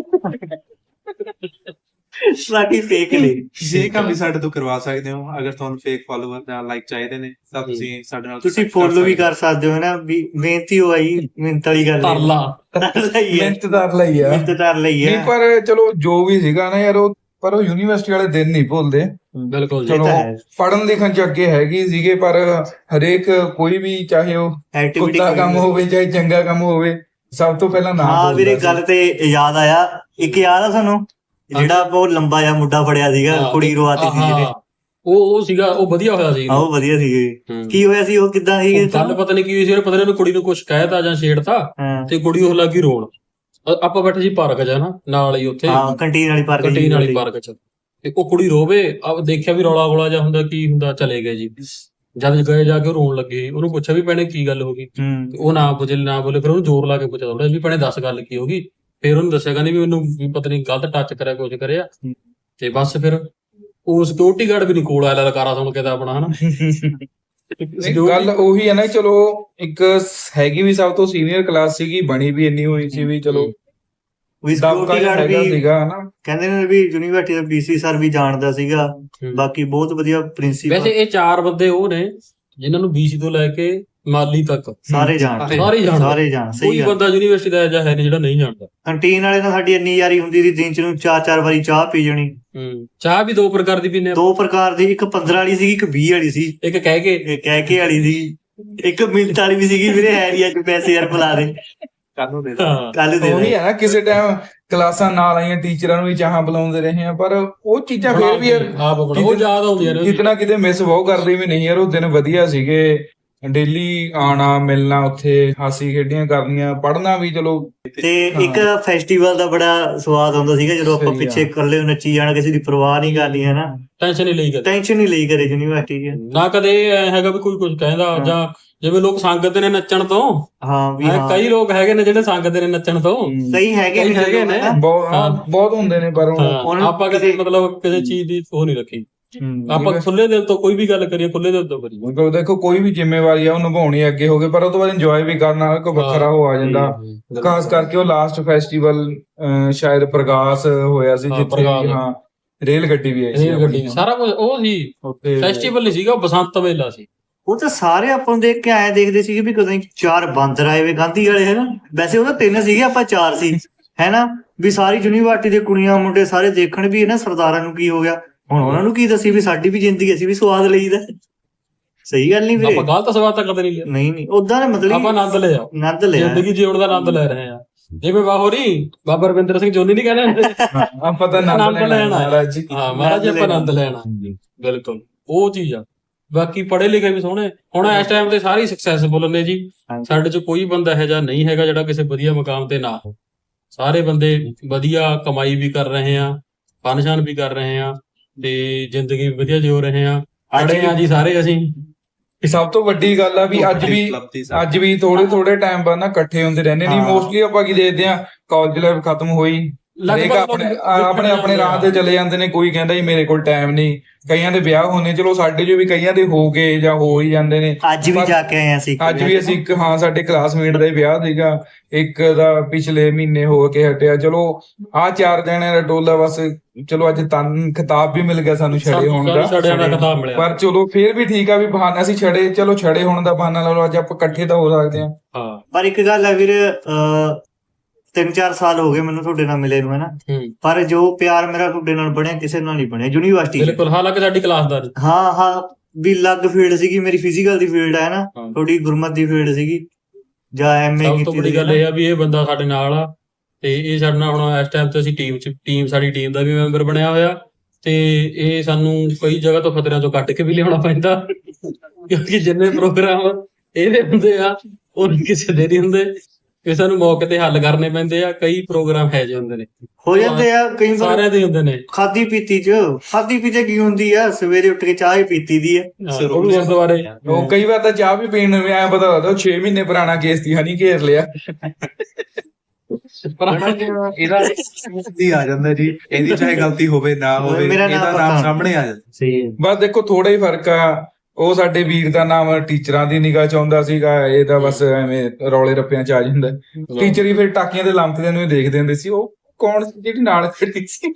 A: ਬਾਕੀ ਫੇਕ ਨੇ।
D: ਜੇ ਕੰਮ ਵੀ ਸਾਡੇ ਤੋਂ ਕਰਵਾ ਸਕਦੇ ਹੋ, ਅਗਰ ਤੁਹਾਨੂੰ ਫੇਕ ਫਾਲੋਅਰ ਜਾਂ ਲਾਈਕ ਚਾਹੀਦੇ ਨੇ ਤਾਂ ਤੁਸੀਂ ਸਾਡੇ ਨਾਲ
A: ਤੁਸੀਂ
D: contact
A: ਫੋਲੋ ਵੀ
D: ਸਕਦੇ
A: ਕਰ ਸਕਦੇ ਹੋ ਨਾ। ਵੀ ਮਿਹਨਤੀ ਹੋ ਆਈ, ਮਿਹਨਤ ਵਾਲੀ ਗੱਲ ਹੈ।
B: ਤਰਲਾ।
A: ਲਈ ਹੈ,
C: ਮਿਹਨਤਦਾਰ ਲਈ ਆ।
A: ਮਿਹਨਤ ਕਰ ਲਈ
C: ਨਹੀਂ
A: ਹੈ।
C: ਪਰ ਚਲੋ ਜੋ ਵੀ ਸੀਗਾ ਨਾ ਯਾਰ, ਉਹ ਪਰ ਉਹ ਯੂਨੀਵਰਸਿਟੀ ਵਾਲੇ ਦਿਨ ਨਹੀਂ ਭੁੱਲਦੇ।
B: ਬਿਲਕੁਲ ਜੀ।
A: ਇਹ
C: ਚਲੋ
A: ਤਾਂ ਹੈ।
C: ਪੜਨ ਲਿਖਣ ਚ ਅੱਗੇ ਹੈਗੀ ਸੀਗੇ, ਪਰ ਹਰੇਕ ਕੋਈ ਵੀ, ਚਾਹੇ ਉਹ
A: ਐਕਟੀਵਿਟੀ
C: ਕੁੱਤਾ ਕੰਮ ਹੋਵੇ ਚਾਹੇ ਚੰਗਾ ਕੰਮ ਹੋਵੇ, ਸਭ ਤੋਂ ਪਹਿਲਾਂ ਨਾਮ
A: ਹਾਂ ਵੀਰੇ,
C: ਬੋਲਦਾ
A: ਗੱਲ ਤੇ ਯਾਦ ਆਇਆ। ਇੱਕ ਯਾਦ ਆ ਤੁਹਾਨੂੰ, ਜਿਹੜਾ ਬਹੁਤ ਲੰਬਾ ਜਿਹਾ ਮੁੰਡਾ ਫੜਿਆ ਸੀਗਾ,
B: ਹਾਂ,
A: ਕੁੜੀ ਰਵਾਤੀ ਸੀ ਜਿਹਨੇ।
B: ਹਾਂ, ਉਹ ਉਹ ਸੀਗਾ, ਉਹ ਵਧੀਆ ਹੋਇਆ ਸੀ।
A: ਹਾਂ ਉਹ ਵਧੀਆ ਸੀਗੇ।
B: ਹੂੰ।
A: ਕੀ ਹੋਇਆ ਸੀ, ਉਹ ਕਿੱਦਾਂ ਸੀ?
B: ਉਹ ਗੱਲ ਪਤਾ ਨਹੀਂ ਕੀ ਹੋਈ ਸੀ, ਉਹਨੇ ਪਤਾ ਨਹੀਂ ਕੁੜੀ ਨੂੰ ਕੁਝ ਕਹਿਤਾ ਜਾਂ ਛੇੜਤਾ,
A: ਹਾਂ
B: ਤੇ ਕੁੜੀ ਉਹ ਲੱਗੀ ਰੋਣ। ਅ- ਆਪਾਂ ਬੈਠੇ ਸੀ ਪਾਰਕ 'ਚ ਨਾ, ਨਾਲ ਹੀ ਉੱਥੇ
A: ਹਾਂ ਕੰਟੀਨ ਵਾਲੀ ਪਾਰਕ
B: ਕੰਟੀਨ ਵਾਲੀ ਪਾਰਕ 'ਚ, ਤੇ ਉਹ ਕੁੜੀ ਰੋਵੇ। ਆ ਦੇਖਿਆ ਵੀ ਰੌਲਾ ਗੋਲਾ ਜਾਂ ਹੁੰਦਾ, ਕੀ ਹੁੰਦਾ, ਚਲੇ ਗਏ ਜੀ। ਜਦ ਗਏ ਜਾ ਕੇ ਉਹ ਰੋਣ ਲੱਗੇ, ਉਹਨੂੰ ਪੁੱਛਿਆ ਵੀ ਭੈਣੇ ਕੀ ਗੱਲ ਹੋ ਗਈ,
A: ਹੂੰ
B: ਤੇ ਉਹ ਨਾ ਬੋਲੇ ਨਾ ਬੋਲੇ ਫਿਰ ਉਹਨੂੰ ਜ਼ੋਰ ਲਾ ਕੇ ਪੁੱਛਿਆ ਥੋੜਾ ਵੀ ਭੈਣੇ ਦੱਸ ਗੱਲ ਕੀ ਹੋ ਗਈ। ਫਿਰ ਉਹਨੂੰ ਦੱਸਿਆ ਕਹਿੰਦੀ ਵੀ ਮੈਨੂੰ ਵੀ ਪਤਾ ਨਹੀਂ ਗਲਤ ਟੱਚ ਕਰਿਆ ਕੁਝ ਕਰਿਆ ਤੇ ਬਸ ਫਿਰ ਉਹ ਸਿਕਿਉਰਿਟੀ ਗਾਰਡ ਵੀ ਨਹੀਂ ਕੋਲ ਆਇਆ ਲਲਕਾਰਾ ਸੁਣ ਕੇ ਤਾਂ ਆਪਣਾ ਹਨਾ
C: ਨਹੀਂ, ਗੱਲ ਉਹੀ ਹੈ ਨਾ, ਚਲੋ ਇੱਕ ਹੈਗੀ ਵੀ ਸਭ ਤੋਂ ਸੀਨੀਅਰ ਕਲਾਸ ਸੀਗੀ, ਬਣੀ ਵੀ ਇੰਨੀ ਹੋਈ ਸੀ ਵੀ ਚਲੋ
A: ਵੀ
C: ਦਬਕਾ
A: ਸਿਕਿਉਰਿਟੀ ਗਾਰਡ
C: ਹੈਗਾ
A: ਵੀ
C: ਸੀਗਾ ਹਨਾ।
A: ਕਹਿੰਦੇ ਨੇ ਵੀ ਯੂਨੀਵਰਸਿਟੀ ਦਾ ਪੀਸੀ ਸਰ ਵੀ ਜਾਣਦਾ ਸੀਗਾ, ਬਾਕੀ ਬਹੁਤ ਵਧੀਆ
B: ਵੈਸੇ
A: ਪ੍ਰਿੰਸੀਪਲ
B: ਇਹ ਚਾਰ ਬੰਦੇ ਉਹ ਨੇ ਜਿਨ੍ਹਾਂ ਨੂੰ ਬੀਸੀ ਤੋਂ ਲੈ ਕੇ ਮਾਲੀ ਤੱਕ
A: ਸਾਰੇ ਜਾਣਦੇ,
B: ਸਾਰੇ ਜਾਣਦੇ।
A: ਸਾਰੇ ਜਾਣ
B: ਕੋਈ
A: ਸਹੀ ਗੱਲ।
B: ਬੰਦਾ ਯੂਨੀਵਰਸਿਟੀ ਦਾ ਅਜਿਹਾ ਹੈ ਨਹੀਂ ਜਿਹੜਾ ਨਹੀਂ ਜਾਣਦਾ।
A: ਕੰਟੀਨ ਵਾਲੇ ਨਾਲ ਸਾਡੀ ਇੰਨੀ ਯਾਰੀ ਹੁੰਦੀ ਸੀ, ਦਿਨ ਚ ਨੂੰ ਚਾਰ ਚਾਰ ਵਾਰੀ ਚਾਹ ਪੀ ਜਾਣੀ।
B: ਹੂੰ ਚਾਹ ਵੀ ਦੋ ਪ੍ਰਕਾਰ ਦੀ ਪੀਨੇ
A: ਦੋ ਪ੍ਰਕਾਰ ਦੀ, ਇੱਕ ਪੰਦਰਾਂ ਵਾਲੀ ਸੀਗੀ, ਇੱਕ ਵੀਹ ਵਾਲੀ ਸੀ,
B: ਇੱਕ ਕਹਿ ਕੇ
A: ਇੱਕ ਕਹਿ ਕੇ ਵਾਲੀ ਸੀ, ਇੱਕ ਮਿੰਟ ਵਾਲੀ ਵੀ ਸੀਗੀ, ਵੀਰੇ ਹੈ ਨਹੀਂ ਅੱਜ ਪੈਸੇ ਯਾਰ ਬੁਲਾ ਦੇ,
D: ਕੱਲ ਨੂੰ ਦੇ ਦੇ
B: ਹਾਂ
A: ਕੱਲ ਦੇ
C: ਉਹੀ
A: ਦੇ।
C: ਹੈ ਨਾ, ਕਿਸੇ ਟਾਈਮ ਕਲਾਸਾਂ ਨਾਲ ਆਈਆਂ ਟੀਚਰਾਂ ਨੂੰ ਵੀ ਚਾਹਾਂ ਬੁਲਾਉਂਦੇ ਰਹੇ ਆ, ਪਰ ਉਹ ਚੀਜ਼ਾਂ ਫੇਰ ਵੀ ਯਾਰ
B: ਆਪ ਬਣਾ ਉਹ ਯਾਦ ਆਉਂਦੀਆਂ ਨੇ
C: ਕਿਤਨਾ ਕਿਤੇ ਮਿਸ ਬਹੁਤ ਕਰਦੇ ਵੀ ਨਹੀਂ ਯਾਰ, ਉਹ ਦਿਨ ਵਧੀਆ ਸੀਗੇ। ਡੇਲੀ ਆਣਾ ਮਿਲਣਾ, ਉੱਥੇ ਹਾਸੀ ਖੇਡੀਆਂ ਕਰਨੀਆਂ, ਪੜ੍ਹਨਾ ਵੀ ਚਲੋ।
A: ਤੇ ਇੱਕ ਫੈਸਟੀਵਲ ਦਾ ਬੜਾ ਸਵਾਦ ਆਉਂਦਾ ਸੀਗਾ ਜਦੋਂ ਆਪਾਂ
C: ਸਹੀ ਆ।
A: ਪਿੱਛੇ ਇਕੱਲੇ ਨੱਚੀ ਜਾਣਾ, ਕਿਸੇ ਦੀ ਪਰਵਾਹ ਨਹੀਂ ਕਰਨੀ ਹੈ ਨਾ,
B: ਟੈਨਸ਼ਨ ਨਹੀਂ ਲਈ ਕਦੇ
A: ਟੈਨਸ਼ਨ ਨਹੀਂ ਲਈ ਕਰੇ ਯੂਨੀਵਰਸਿਟੀ 'ਚ।
B: ਨਾ ਕਦੇ ਐਂ ਹੈਗਾ ਵੀ ਕੋਈ ਕੁਝ ਕਹਿੰਦਾ ਜਾਂ ਜਿਵੇਂ ਲੋਕ ਸੰਗਦੇ ਨੇ ਨੱਚਣ ਤੋਂ।
A: ਹਾਂ ਵੀ
B: ਹੈਂ,
A: ਹਾਂ
B: ਕਈ ਲੋਕ ਹੈਗੇ ਨੇ ਜਿਹੜੇ ਸੰਗਦੇ ਨੇ ਨੱਚਣ ਤੋਂ।
A: ਕਈ ਹੈਗੇ
B: ਕਈ
A: ਨੇ
B: ਹੈਗੇ ਨੇ।
A: ਨਾ।
C: ਬਹੁਤ ਹਾਂ, ਬਹੁਤ ਹੁੰਦੇ ਨੇ, ਪਰ ਉਹ-
B: ਹਾਂ,
A: ਉਹਨਾਂ
B: ਆਪਾਂ ਕਦੇ ਮਤਲਬ ਕਿਸੇ ਚੀਜ਼ ਦੀ ਉਹ ਨਹੀਂ ਰੱਖੀ।
C: ਹਮ,
B: ਆਪਾਂ ਖੁੱਲੇ ਦਿਲ ਤੋਂ ਕੋਈ ਵੀ ਗੱਲ ਕਰੀਏ, ਖੁੱਲੇ ਦਿਲ ਤੋਂ ਕਰੀਏ।
C: ਮਤਲਬ ਦੇਖੋ ਕੋਈ ਵੀ ਜ਼ਿੰਮੇਵਾਰੀ ਆ ਉਹ ਨਿਭਾਉਣੀ ਅੱਗੇ ਹੋ ਗਏ, ਪਰ ਉਹ ਤੋਂ ਬਾਅਦ ਇੰਜੋਏ ਵੀ ਕਰਨਾ ਕੋ ਵੱਖਰਾ ਹੋ ਆ ਜਾਂਦਾ। ਖਾਸ ਕਰਕੇ ਉਹ ਲਾਸਟ ਫੈਸਟੀਵਲ ਸ਼ਾਇਦ ਪ੍ਰਗਾਸ ਹੋਇਆ ਸੀ,
B: ਹਾਂ,
C: ਜਿੱਥੇ
B: ਪ੍ਰਗਾਸ।
C: ਹਾਂ ਰੇਲ ਗੱਡੀ ਵੀ ਆਈ ਸੀ
B: ਰੇਲ ਗੱਡੀ ਸਾਰਾ ਕੁਝ ਉਹ ਸੀ।
C: ਉੱਥੇ।
B: ਫੈਸਟੀਵਲ ਨਹੀਂ ਸੀਗਾ, ਉਹ ਬਸੰਤ ਮੇਲਾ ਸੀ।
A: ਉਹ ਤਾਂ ਸਾਰੇ ਆਪਾਂ ਨੂੰ ਦੇਖ ਕੇ ਆਏ ਦੇਖਦੇ ਸੀਗੇ ਵੀ ਕਦੋਂ ਚਾਰ ਬਾਂਦਰ ਆਏ ਵੇ ਗਾਂਧੀ ਵਾਲੇ, ਹੈਨਾ। ਵੈਸੇ ਉਹ ਤਾਂ ਤਿੰਨ ਸੀਗੇ, ਆਪਾਂ ਚਾਰ ਸੀ, ਹੈਨਾ। ਵੀ ਸਾਰੀ ਯੂਨੀਵਰਸਿਟੀ ਦੇ ਕੁੜੀਆਂ ਮੁੰਡੇ ਸਾਰੇ ਦੇਖਣ ਵੀ ਇਹਨਾਂ ਸਰਦਾਰਾਂ ਨੂੰ ਕੀ ਹੋ ਗਿਆ, ਹੁਣ ਉਹਨਾਂ ਨੂੰ ਕੀ ਦੱਸੀ ਵੀ ਸਾਡੀ ਵੀ ਜ਼ਿੰਦਗੀ, ਅਸੀਂ ਵੀ ਸਵਾਦ ਲਈਦਾ। ਸਹੀ ਗੱਲ ਨਹੀਂ ਵੀਰੇ,
B: ਆਪਾਂ ਗਲਤ ਸਵਾਦ ਤਾਂ ਕਦੇ ਨਹੀਂ ਲਿਆ।
A: ਨਹੀਂ ਨਹੀਂ ਉਦਾਂ ਦਾ ਮਤਲਬ
B: ਆਪਾਂ ਆਨੰਦ ਲਿਆ,
A: ਆਨੰਦ ਲਿਆ।
B: ਜ਼ਿੰਦਗੀ ਜਿਉਣ ਦਾ ਆਨੰਦ ਲੈ ਰਹੇ ਆ। ਜਿਵੇਂ ਬਾਹੋਰੀ ਬਾਬਾ ਰਵਿੰਦਰ ਸਿੰਘ ਜੋਨੀ ਨਹੀਂ ਕਹਿੰਦੇ
C: ਹਾਂ, ਆਪਾਂ ਤਾਂ ਆਨੰਦ
B: ਆਨੰਦ
C: ਲੈਣਾ
B: ਲੈਣਾ।
C: ਮਹਾਰਾਜ ਜੀ।
B: ਹਾਂ ਮਹਾਰਾਜ ਜੀ, ਆਪਾਂ ਆਨੰਦ ਲੈਣਾ। ਬਿਲਕੁਲ ਉਹ ਚੀਜ਼ ਆ। ਬਾਕੀ ਪੜ੍ਹੇ ਲਿਖੇ ਵੀ ਸੋਹਣੇ ਹੁਣ ਇਸ ਟਾਈਮ ਤੇ ਸਾਰੇ ਸਕਸੈਸਫੁਲ ਨੇ ਜੀ। ਸਾਡੇ ਚ ਕੋਈ ਬੰਦਾ ਇਹੋ ਜਿਹਾ ਨਹੀਂ ਹੈਗਾ ਜਿਹੜਾ ਕਿਸੇ ਵਧੀਆ ਮੁਕਾਮ ਤੇ ਨਾ ਹੋ। ਸਾਰੇ ਬੰਦੇ ਵਧੀਆ ਕਮਾਈ ਵੀ ਕਰ ਰਹੇ ਆ, ਫਨਸ਼ਨ ਵੀ ਕਰ ਰਹੇ ਆ, ਤੇ ਜ਼ਿੰਦਗੀ ਵੀ ਵਧੀਆ ਜਿਉ ਰਹੇ ਆ। ਪੜ੍ਹੇ ਆ ਜੀ ਸਾਰੇ ਅਸੀਂ।
C: ਇਹ ਸਭ ਤੋਂ ਵੱਡੀ ਗੱਲ ਆ ਵੀ ਅੱਜ ਵੀ ਅੱਜ ਵੀ ਥੋੜੇ ਥੋੜੇ ਟਾਈਮ ਬਾਅਦ ਨਾ ਇਕੱਠੇ ਹੁੰਦੇ ਰਹਿੰਦੇ ਨਹੀਂ।
A: ਹਾਂ।
C: ਮੋਸਟਲੀ ਆਪਾਂ ਕੀ ਦੇਖਦੇ ਆ, ਕਾਲਜ ਲਾਈਫ ਖਤਮ ਹੋਈ, ਹਰੇਕ ਆਪਣੇ ਆਪਣੇ ਆਪਣੇ ਰਾਹ ਤੇ ਚਲੇ ਜਾਂਦੇ ਨੇ। ਕੋਈ ਕਹਿੰਦਾ ਜੀ ਮੇਰੇ ਕੋਲ ਟਾਈਮ ਨਹੀਂ, ਕਈਆਂ ਦੇ ਵਿਆਹ ਹੋਣੇ, ਚਲੋ ਸਾਡੇ ਜੋ ਵੀ ਕਈਆਂ ਦੇ ਹੋ ਗਏ ਜਾਂ ਹੋ ਹੀ ਜਾਂਦੇ ਨੇ।
A: ਅੱਜ ਵੀ ਜਾ ਕੇ ਆਏ ਆ ਅਸੀਂ,
C: ਅੱਜ ਵੀ ਅਸੀਂ ਇੱਕ ਹਾਂ ਸਾਡੇ ਕਲਾਸਮੇਟ ਦਾ ਹੀ ਵਿਆਹ ਸੀਗਾ, ਇੱਕ ਦਾ ਪਿਛਲੇ ਮਹੀਨੇ ਹੋ ਕੇ ਹਟਿਆ। ਚਲੋ ਆਹ ਚਾਰ ਜਣਿਆਂ ਦਾ ਟੋਲਾ ਬਸ, ਚਲੋ ਅੱਜ ਤਨ ਖਿਤਾਬ ਵੀ ਮਿਲ ਗਿਆ ਸਾਨੂੰ ਛੜੇ ਹੋਣ ਦਾ,
B: ਛੜਿਆਂ ਦਾ ਖਿਤਾਬ ਮਿਲਿਆ।
C: ਪਰ ਚਲੋ ਫੇਰ ਵੀ ਠੀਕ ਆ ਵੀ ਬਹਾਨਾ ਅਸੀਂ ਛੜੇ, ਚਲੋ ਛੜੇ ਹੋਣ ਦਾ ਬਹਾਨਾ ਲਾ ਲਓ, ਅੱਜ ਆਪਾਂ ਇਕੱਠੇ ਤਾਂ ਹੋ ਸਕਦੇ ਹਾਂ।
B: ਹਾਂ
A: ਪਰ ਇੱਕ ਗੱਲ ਹੈ ਵੀਰ, ਅਹ ਤਿੰਨ ਚਾਰ ਸਾਲ ਹੋ ਗਏ ਮੈਨੂੰ ਤੁਹਾਡੇ ਨਾਲ ਮਿਲੇ ਨੂੰ, ਹੈਨਾ।
B: ਹੂੰ
A: ਪਰ ਜੋ ਪਿਆਰ ਮੇਰਾ ਤੁਹਾਡੇ ਨਾਲ ਬਣਿਆ ਕਿਸੇ ਨਾਲ ਨਹੀਂ ਬਣਿਆ ਯੂਨੀਵਰਸਿਟੀ 'ਚ।
B: ਬਿਲਕੁਲ। ਹਾਲਾਂਕਿ ਸਾਡੀ ਕਲਾਸ ਦਾ ਨਹੀਂ।
A: ਹਾਂ ਹਾਂ ਵੀ ਅਲੱਗ ਫੀਲਡ ਸੀਗੀ, ਮੇਰੀ ਫਿਜ਼ੀਕਲ ਦੀ ਫੀਲਡ ਹੈ ਨਾ,
B: ਹਾਂ।
A: ਤੁਹਾਡੀ ਗੁਰਮਤ ਦੀ ਫੀਲਡ ਸੀਗੀ ਜਾਂ ਐਮਏ
B: ਸਭ ਤੋਂ
A: ਕੀਤੀ
B: ਵੱਡੀ
A: ਸੀ
B: ਗੱਲ
A: ਨਾ।
B: ਇਹ ਆ ਵੀ ਇਹ ਬੰਦਾ ਸਾਡੇ ਨਾਲ ਆ, ਤੇ ਇਹ ਸਾਡੇ ਨਾਲ ਹੁਣ ਇਸ ਟਾਈਮ ਤੇ ਅਸੀਂ ਟੀਮ ਚ ਟੀਮ ਸਾਡੀ ਟੀਮ ਦਾ ਵੀ ਮੈਂਬਰ ਬਣਿਆ ਹੋਇਆ, ਤੇ ਇਹ ਸਾਨੂੰ ਕਈ ਜਗ੍ਹਾ ਤੋਂ ਖਤਰਿਆਂ ਤੋਂ ਕੱਢ ਕੇ ਵੀ ਲਿਆਉਣਾ ਪੈਂਦਾ, ਕਿਉਂਕਿ ਜਿੰਨੇ ਪ੍ਰੋਗਰਾਮ ਇਹਦੇ ਹੁੰਦੇ ਆ ਉਹ ਕਿਸੇ ਦੇ ਨਹੀਂ ਹੁੰਦੇ। ਕਿ ਸਾਨੂੰ ਮੌਕੇ ਤੇ ਹੱਲ ਕਰਨੇ ਪੈਂਦੇ ਆ। ਕਈ ਪ੍ਰੋਗਰਾਮ ਹੈ ਜੇ ਹੁੰਦੇ ਨੇ,
A: ਹੋ ਜਾਂਦੇ ਆ ਕਈ ਵਾਰ।
B: ਸਾਰਿਆਂ ਦੇ ਹੁੰਦੇ ਨੇ।
A: ਖਾਦੀ ਪੀਤੀ ਚ ਖਾਦੀ ਪੀਤੇ ਕੀ ਹੁੰਦੀ ਆ, ਸਵੇਰੇ ਉੱਠ ਕੇ ਚਾਹ ਹੀ ਪੀਤੀ ਦੀ ਆ।
B: ਹਾਂ, ਉਹ ਵੀ ਗੁਰਦੁਆਰੇ
C: ਉਹ ਕਈ ਵਾਰ ਤਾਂ ਚਾਹ ਵੀ ਪੀਣ ਨੂੰ ਐ ਪਤਾ ਲੱਗਦਾ ਉਹ ਛੇ ਮਹੀਨੇ ਪੁਰਾਣਾ ਕੇਸ ਦੀ ਹਨੀ ਘੇਰ ਲਿਆ।
D: ਇਹਦਾ ਦੀ ਆ ਜਾਂਦਾ ਜੀ, ਇਹਦੀ ਚਾਹੇ ਗਲਤੀ ਹੋਵੇ ਨਾ ਹੋਵੇ,
A: ਮੇਰਾ ਨਾਮ
D: ਇਹਦਾ
A: ਪਤਾ।
D: ਨਾਮ ਸਾਹਮਣੇ ਆ ਜਾਂਦਾ।
A: ਸਹੀ
C: ਬਸ ਦੇਖੋ ਥੋੜਾ ਹੀ ਫਰਕ ਆ। ਉਹ ਸਾਡੇ ਵੀਰ ਦਾ ਨਾਮ ਟੀਚਰਾਂ ਦੀ ਨਿਗਾਹ ਚ ਆਉਂਦਾ ਸੀਗਾ, ਇਹਦਾ ਬਸ ਐਵੇਂ ਰੌਲੇ ਰੱਪਿਆਂ ਚ ਆ ਜਾਂਦਾ। ਟੀਚਰ ਹੀ ਫਿਰ ਟਾਕੀਆਂ ਦੇ ਲੰਮਕਦਿਆਂ ਨੂੰ ਹੀ ਦੇਖਦੇ ਹੁੰਦੇ ਸੀ, ਉਹ ਕੌਣ ਸੀ ਜਿਹੜੀ ਨਾਲ ਖੜੀ ਸੀ।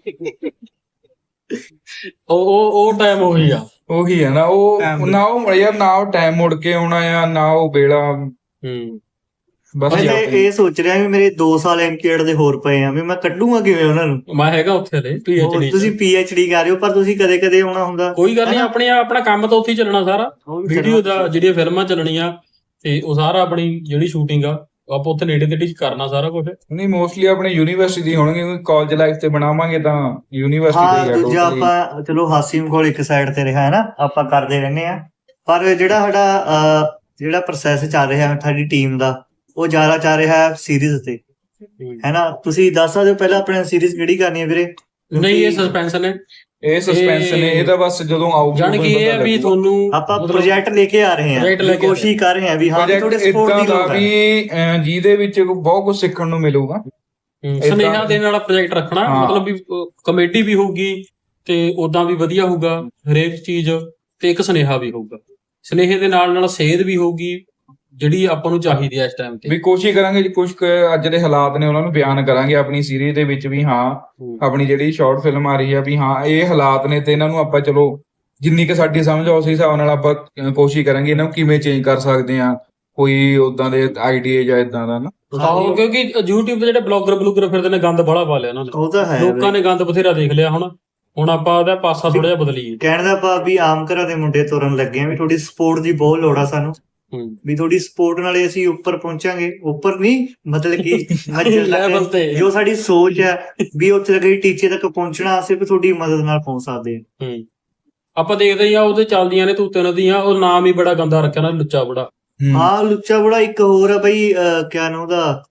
B: ਉਹ ਉਹ ਉਹ ਟਾਈਮ ਉਹੀ ਆ।
C: ਉਹੀ ਹੈ ਨਾ, ਉਹ
D: Time
C: ਨਾ ਉਹ ਯਾਰ ਨਾ ਉਹ ਟਾਈਮ ਮੁੜ ਕੇ ਆਉਣਾ ਆ, ਨਾ ਉਹ ਵੇਲਾ।
B: ਹੂੰ
C: ਬਸ
A: ਮੈਂ ਤਾਂ
C: ਯਾਰ
A: ਇਹ ਸੋਚ ਰਿਹਾ ਵੀ ਮੇਰੇ ਦੋ ਸਾਲ ਐਮਕੇਡ ਦੇ ਹੋਰ ਪਏ ਆ, ਵੀ ਮੈਂ ਕੱਢੂਗਾ ਕਿਵੇਂ ਉਹਨਾਂ ਨੂੰ।
B: ਮੈਂ ਹੈਗਾ ਉੱਥੇ ਦੇ
A: ਉਹ
B: ਪੀਐਚਡੀ।
A: ਤੁਸੀਂ ਪੀਐਚਡੀ ਕਰ ਰਹੇ ਹੋ, ਪਰ ਤੁਸੀਂ ਕਦੇ ਕਦੇ ਆਉਣਾ ਹੁੰਦਾ।
B: ਕੋਈ ਗੱਲ ਨਹੀਂ, ਆਪਣੇ ਆਪਣਾ ਕੰਮ ਤਾਂ ਉੱਥੇ ਹੀ ਚੱਲਣਾ ਸਾਰਾ।
A: ਉਹ ਵੀ
B: ਵੀਡੀਓ ਦਾ ਜਿਹੜੀਆਂ ਫਿਲਮਾਂ ਚੱਲਣੀਆਂ ਤੇ ਉਹ ਸਾਰਾ ਆਪਣੀ ਜਿਹੜੀ ਸ਼ੂਟਿੰਗ ਆ ਆਪਾਂ ਉੱਥੇ ਨੇੜੇ ਤੇੜੇ ਚ ਕਰਨਾ ਸਾਰਾ ਕੁਝ।
C: ਨਹੀਂ ਮੋਸਟਲੀ ਆਪਣੇ ਯੂਨੀਵਰਸਿਟੀ ਦੀ ਹੋਣਗੇ, ਕਿਉਂਕਿ ਕਾਲਜ ਲਾਈਫ ਤੇ ਬਣਾਵਾਂਗੇ ਤਾਂ ਯੂਨੀਵਰਸਿਟੀ
A: ਹਾਂ
C: ਦੀ ਆ
A: ਦੂਜਾ
C: totally।
A: ਆਪਾਂ ਚਲੋ ਹਾਸੀਮ ਕੋਲ ਇੱਕ ਸਾਈਡ ਤੇ ਰਿਹਾ ਹੈ ਨਾ, ਆਪਾਂ ਕਰਦੇ ਰਹਿੰਦੇ ਆ। ਪਰ ਜਿਹੜਾ ਸਾਡਾ ਅਹ, ਜਿਹੜਾ ਪ੍ਰੋਸੈਸ ਚੱਲ ਰਿਹਾ ਸਾਡੀ ਟੀਮ ਦਾ, ਉਹ ਜ਼ਿਆਦਾ ਚੱਲ ਰਿਹਾ ਸੀਰੀਜ਼ ਤੇ, ਹੈਨਾ। ਤੁਸੀਂ ਦੱਸ ਸਕਦੇ ਹੋ ਪਹਿਲਾਂ ਆਪਣੇ ਸੀਰੀਜ਼ ਕਿਹੜੀ ਕਰਨੀ ਹੈ ਵੀਰੇ?
B: ਨਹੀਂ ਇਹ ਸਸਪੈਂਸ ਨੇ,
C: ਇਹ ਸਸਪੈਂਸ ਨੇ, ਇਹਦਾ ਬਸ ਜਦੋਂ ਆਊਗੀ
B: ਜਾਣ ਕਿ ਇਹ ਆ ਵੀ ਤੁਹਾਨੂੰ
A: ਆਪਾਂ
B: ਮਤਲਬ
A: ਪ੍ਰੋਜੈਕਟ ਲੈ ਕੇ ਆ ਰਹੇ
B: project ਲੈ
A: ਹਾਂ,
B: ਕੇ ਆ
A: ਕੋਸ਼ਿਸ਼ ਕਰ ਰਹੇ ਹਾਂ ਵੀ ਹਾਂ ਵੀ
C: ਪ੍ਰੋਜੈਕਟ
A: ਤੁਹਾਡੇ ਸਪੋਰਟ
C: ਇਦਾਂ
A: ਦੀ
C: ਦਾ
A: ਲੋੜ ਹੈ।
C: ਵੀ ਅਹ, ਜਿਹਦੇ ਵਿੱਚ ਬਹੁਤ ਕੁਝ ਸਿੱਖਣ ਨੂੰ ਮਿਲੂਗਾ। ਏਦਾਂ-
B: ਸੁਨੇਹਾ ਦੇਣ ਵਾਲਾ ਪ੍ਰੋਜੈਕਟ ਰੱਖਣਾ,
C: ਹਾਂ।
B: ਮਤਲਬ ਵੀ ਕਮੇਡੀ ਵੀ ਹੋਊਗੀ ਤੇ ਉਦਾਂ ਵੀ ਵਧੀਆ ਹੋਊਗਾ ਹਰੇਕ ਚੀਜ਼, ਤੇ ਇੱਕ ਸੁਨੇਹਾ ਵੀ ਹੋਊਗਾ। ਸੁਨੇਹੇ ਦੇ ਨਾਲ ਨਾਲ ਸੇਧ ਵੀ ਹੋਊਗੀ ਜਿਹੜੀ ਆਪਾਂ ਨੂੰ ਚਾਹੀਦੀ ਹੈ ਇਸ ਟਾਈਮ ਤੇ।
C: ਵੀ ਕੋਸ਼ਿਸ਼ ਕਰਾਂਗੇ ਜੀ ਕੁਝ ਕੁ ਅੱਜ ਦੇ ਹਾਲਾਤ ਨੇ ਉਹਨਾਂ ਨੂੰ ਬਿਆਨ ਕਰਾਂਗੇ ਆਪਣੀ ਸੀਰੀਜ਼ ਦੇ ਵਿੱਚ ਵੀ ਹਾਂ ਆਪਣੀ ਜਿਹੜੀ ਸ਼ਾਰਟ ਫਿਲਮ ਆ ਰਹੀ ਆ ਵੀ ਹਾਂ ਇਹ ਹਾਲਾਤ ਨੇ ਤੇ ਇਹਨਾਂ ਨੂੰ ਆਪਾਂ ਚਲੋ ਜਿੰਨੀ ਕਿ ਸਾਡੀ ਸਮਝ ਆ ਉਸ ਹਿਸਾਬ ਨਾਲ ਆਪਾਂ ਅਹ ਕੋਸ਼ਿਸ਼ ਕਰਾਂਗੇ ਇਹਨਾਂ ਨੂੰ ਕਿਵੇਂ ਚੇਂਜ ਕਰ ਸਕਦੇ ਆ, ਕੋਈ ਉਦਾਂ ਦੇ ਆਈਡੀਆ ਜਾਂ ਇਦਾਂ ਦਾ ਨਾ।
B: ਆਹੋ, ਕਿਉਂਕਿ YouTube ਤੇ ਜਿਹੜੇ ਬਲੌਗਰ ਬਲੂਗਰ ਫਿਰਦੇ ਨੇ ਗੰਦ ਬੜਾ ਪਾ ਲਿਆ ਉਹਨਾਂ ਨੇ,
A: ਉਹ ਤਾਂ ਹੈ
B: ਲੋਕਾਂ ਨੇ ਗੰਦ ਬਥੇਰਾ ਦੇਖ ਲਿਆ। ਹੁਣ ਹੁਣ ਆਪਾਂ ਉਹਦਾ ਪਾਸਾ ਥੋੜਾ ਜਿਹਾ ਬਦਲੀਏ।
A: ਕਹਿਣ ਦਾ ਭਾਵ ਵੀ ਆਮ ਘਰਾਂ ਦੇ ਮੁੰਡੇ ਤੁਰਨ ਲੱਗੇ ਆ ਵੀ ਥੋੜੀ ਸਪੋਰਟ ਦੀ ਬਹੁਤ ਲੋੜ ਆ ਸਾਨੂੰ,
B: ਹੂੰ
A: ਵੀ ਥੋੜੀ ਸਪੋਰਟ ਨਾਲੇ ਅਸੀਂ ਉੱਪਰ ਪਹੁੰਚਾਂਗੇ। ਉੱਪਰ ਨਹੀਂ ਮਤਲਬ ਕਿ ਮੰਜ਼ਿਲ
B: ਲੈਵਲ
A: ਤੱਕ
B: ਤੇ।
A: ਜੋ ਸਾਡੀ ਸੋਚ ਹੈ ਵੀ ਉੱਥੇ ਤੱਕ ਟੀਚੇ ਤੱਕ ਪਹੁੰਚਣਾ ਸਿਰਫ ਤੁਹਾਡੀ ਮਦਦ ਨਾਲ ਪਹੁੰਚ ਸਕਦੇ ਹਾਂ।
B: ਹੂੰ ਆਪਾਂ ਦੇਖਦੇ ਹੀ ਆ ਉਹਦੇ ਚੱਲਦੀਆਂ ਨੇ ਤੂਤੇ ਨਦੀਆਂ, ਉਹ ਨਾਮ ਹੀ ਬੜਾ ਗੰਦਾ ਰੱਖਿਆ ਨਾ, ਲੁੱਚਾ ਬੜਾ।
A: ਹਾਂ ਲੁੱਚਾ ਬੜਾ। ਇੱਕ ਹੋਰ ਆ ਬਈ ਅਹ, ਕਿਆ ਨਾਮ ਉਹਦਾ,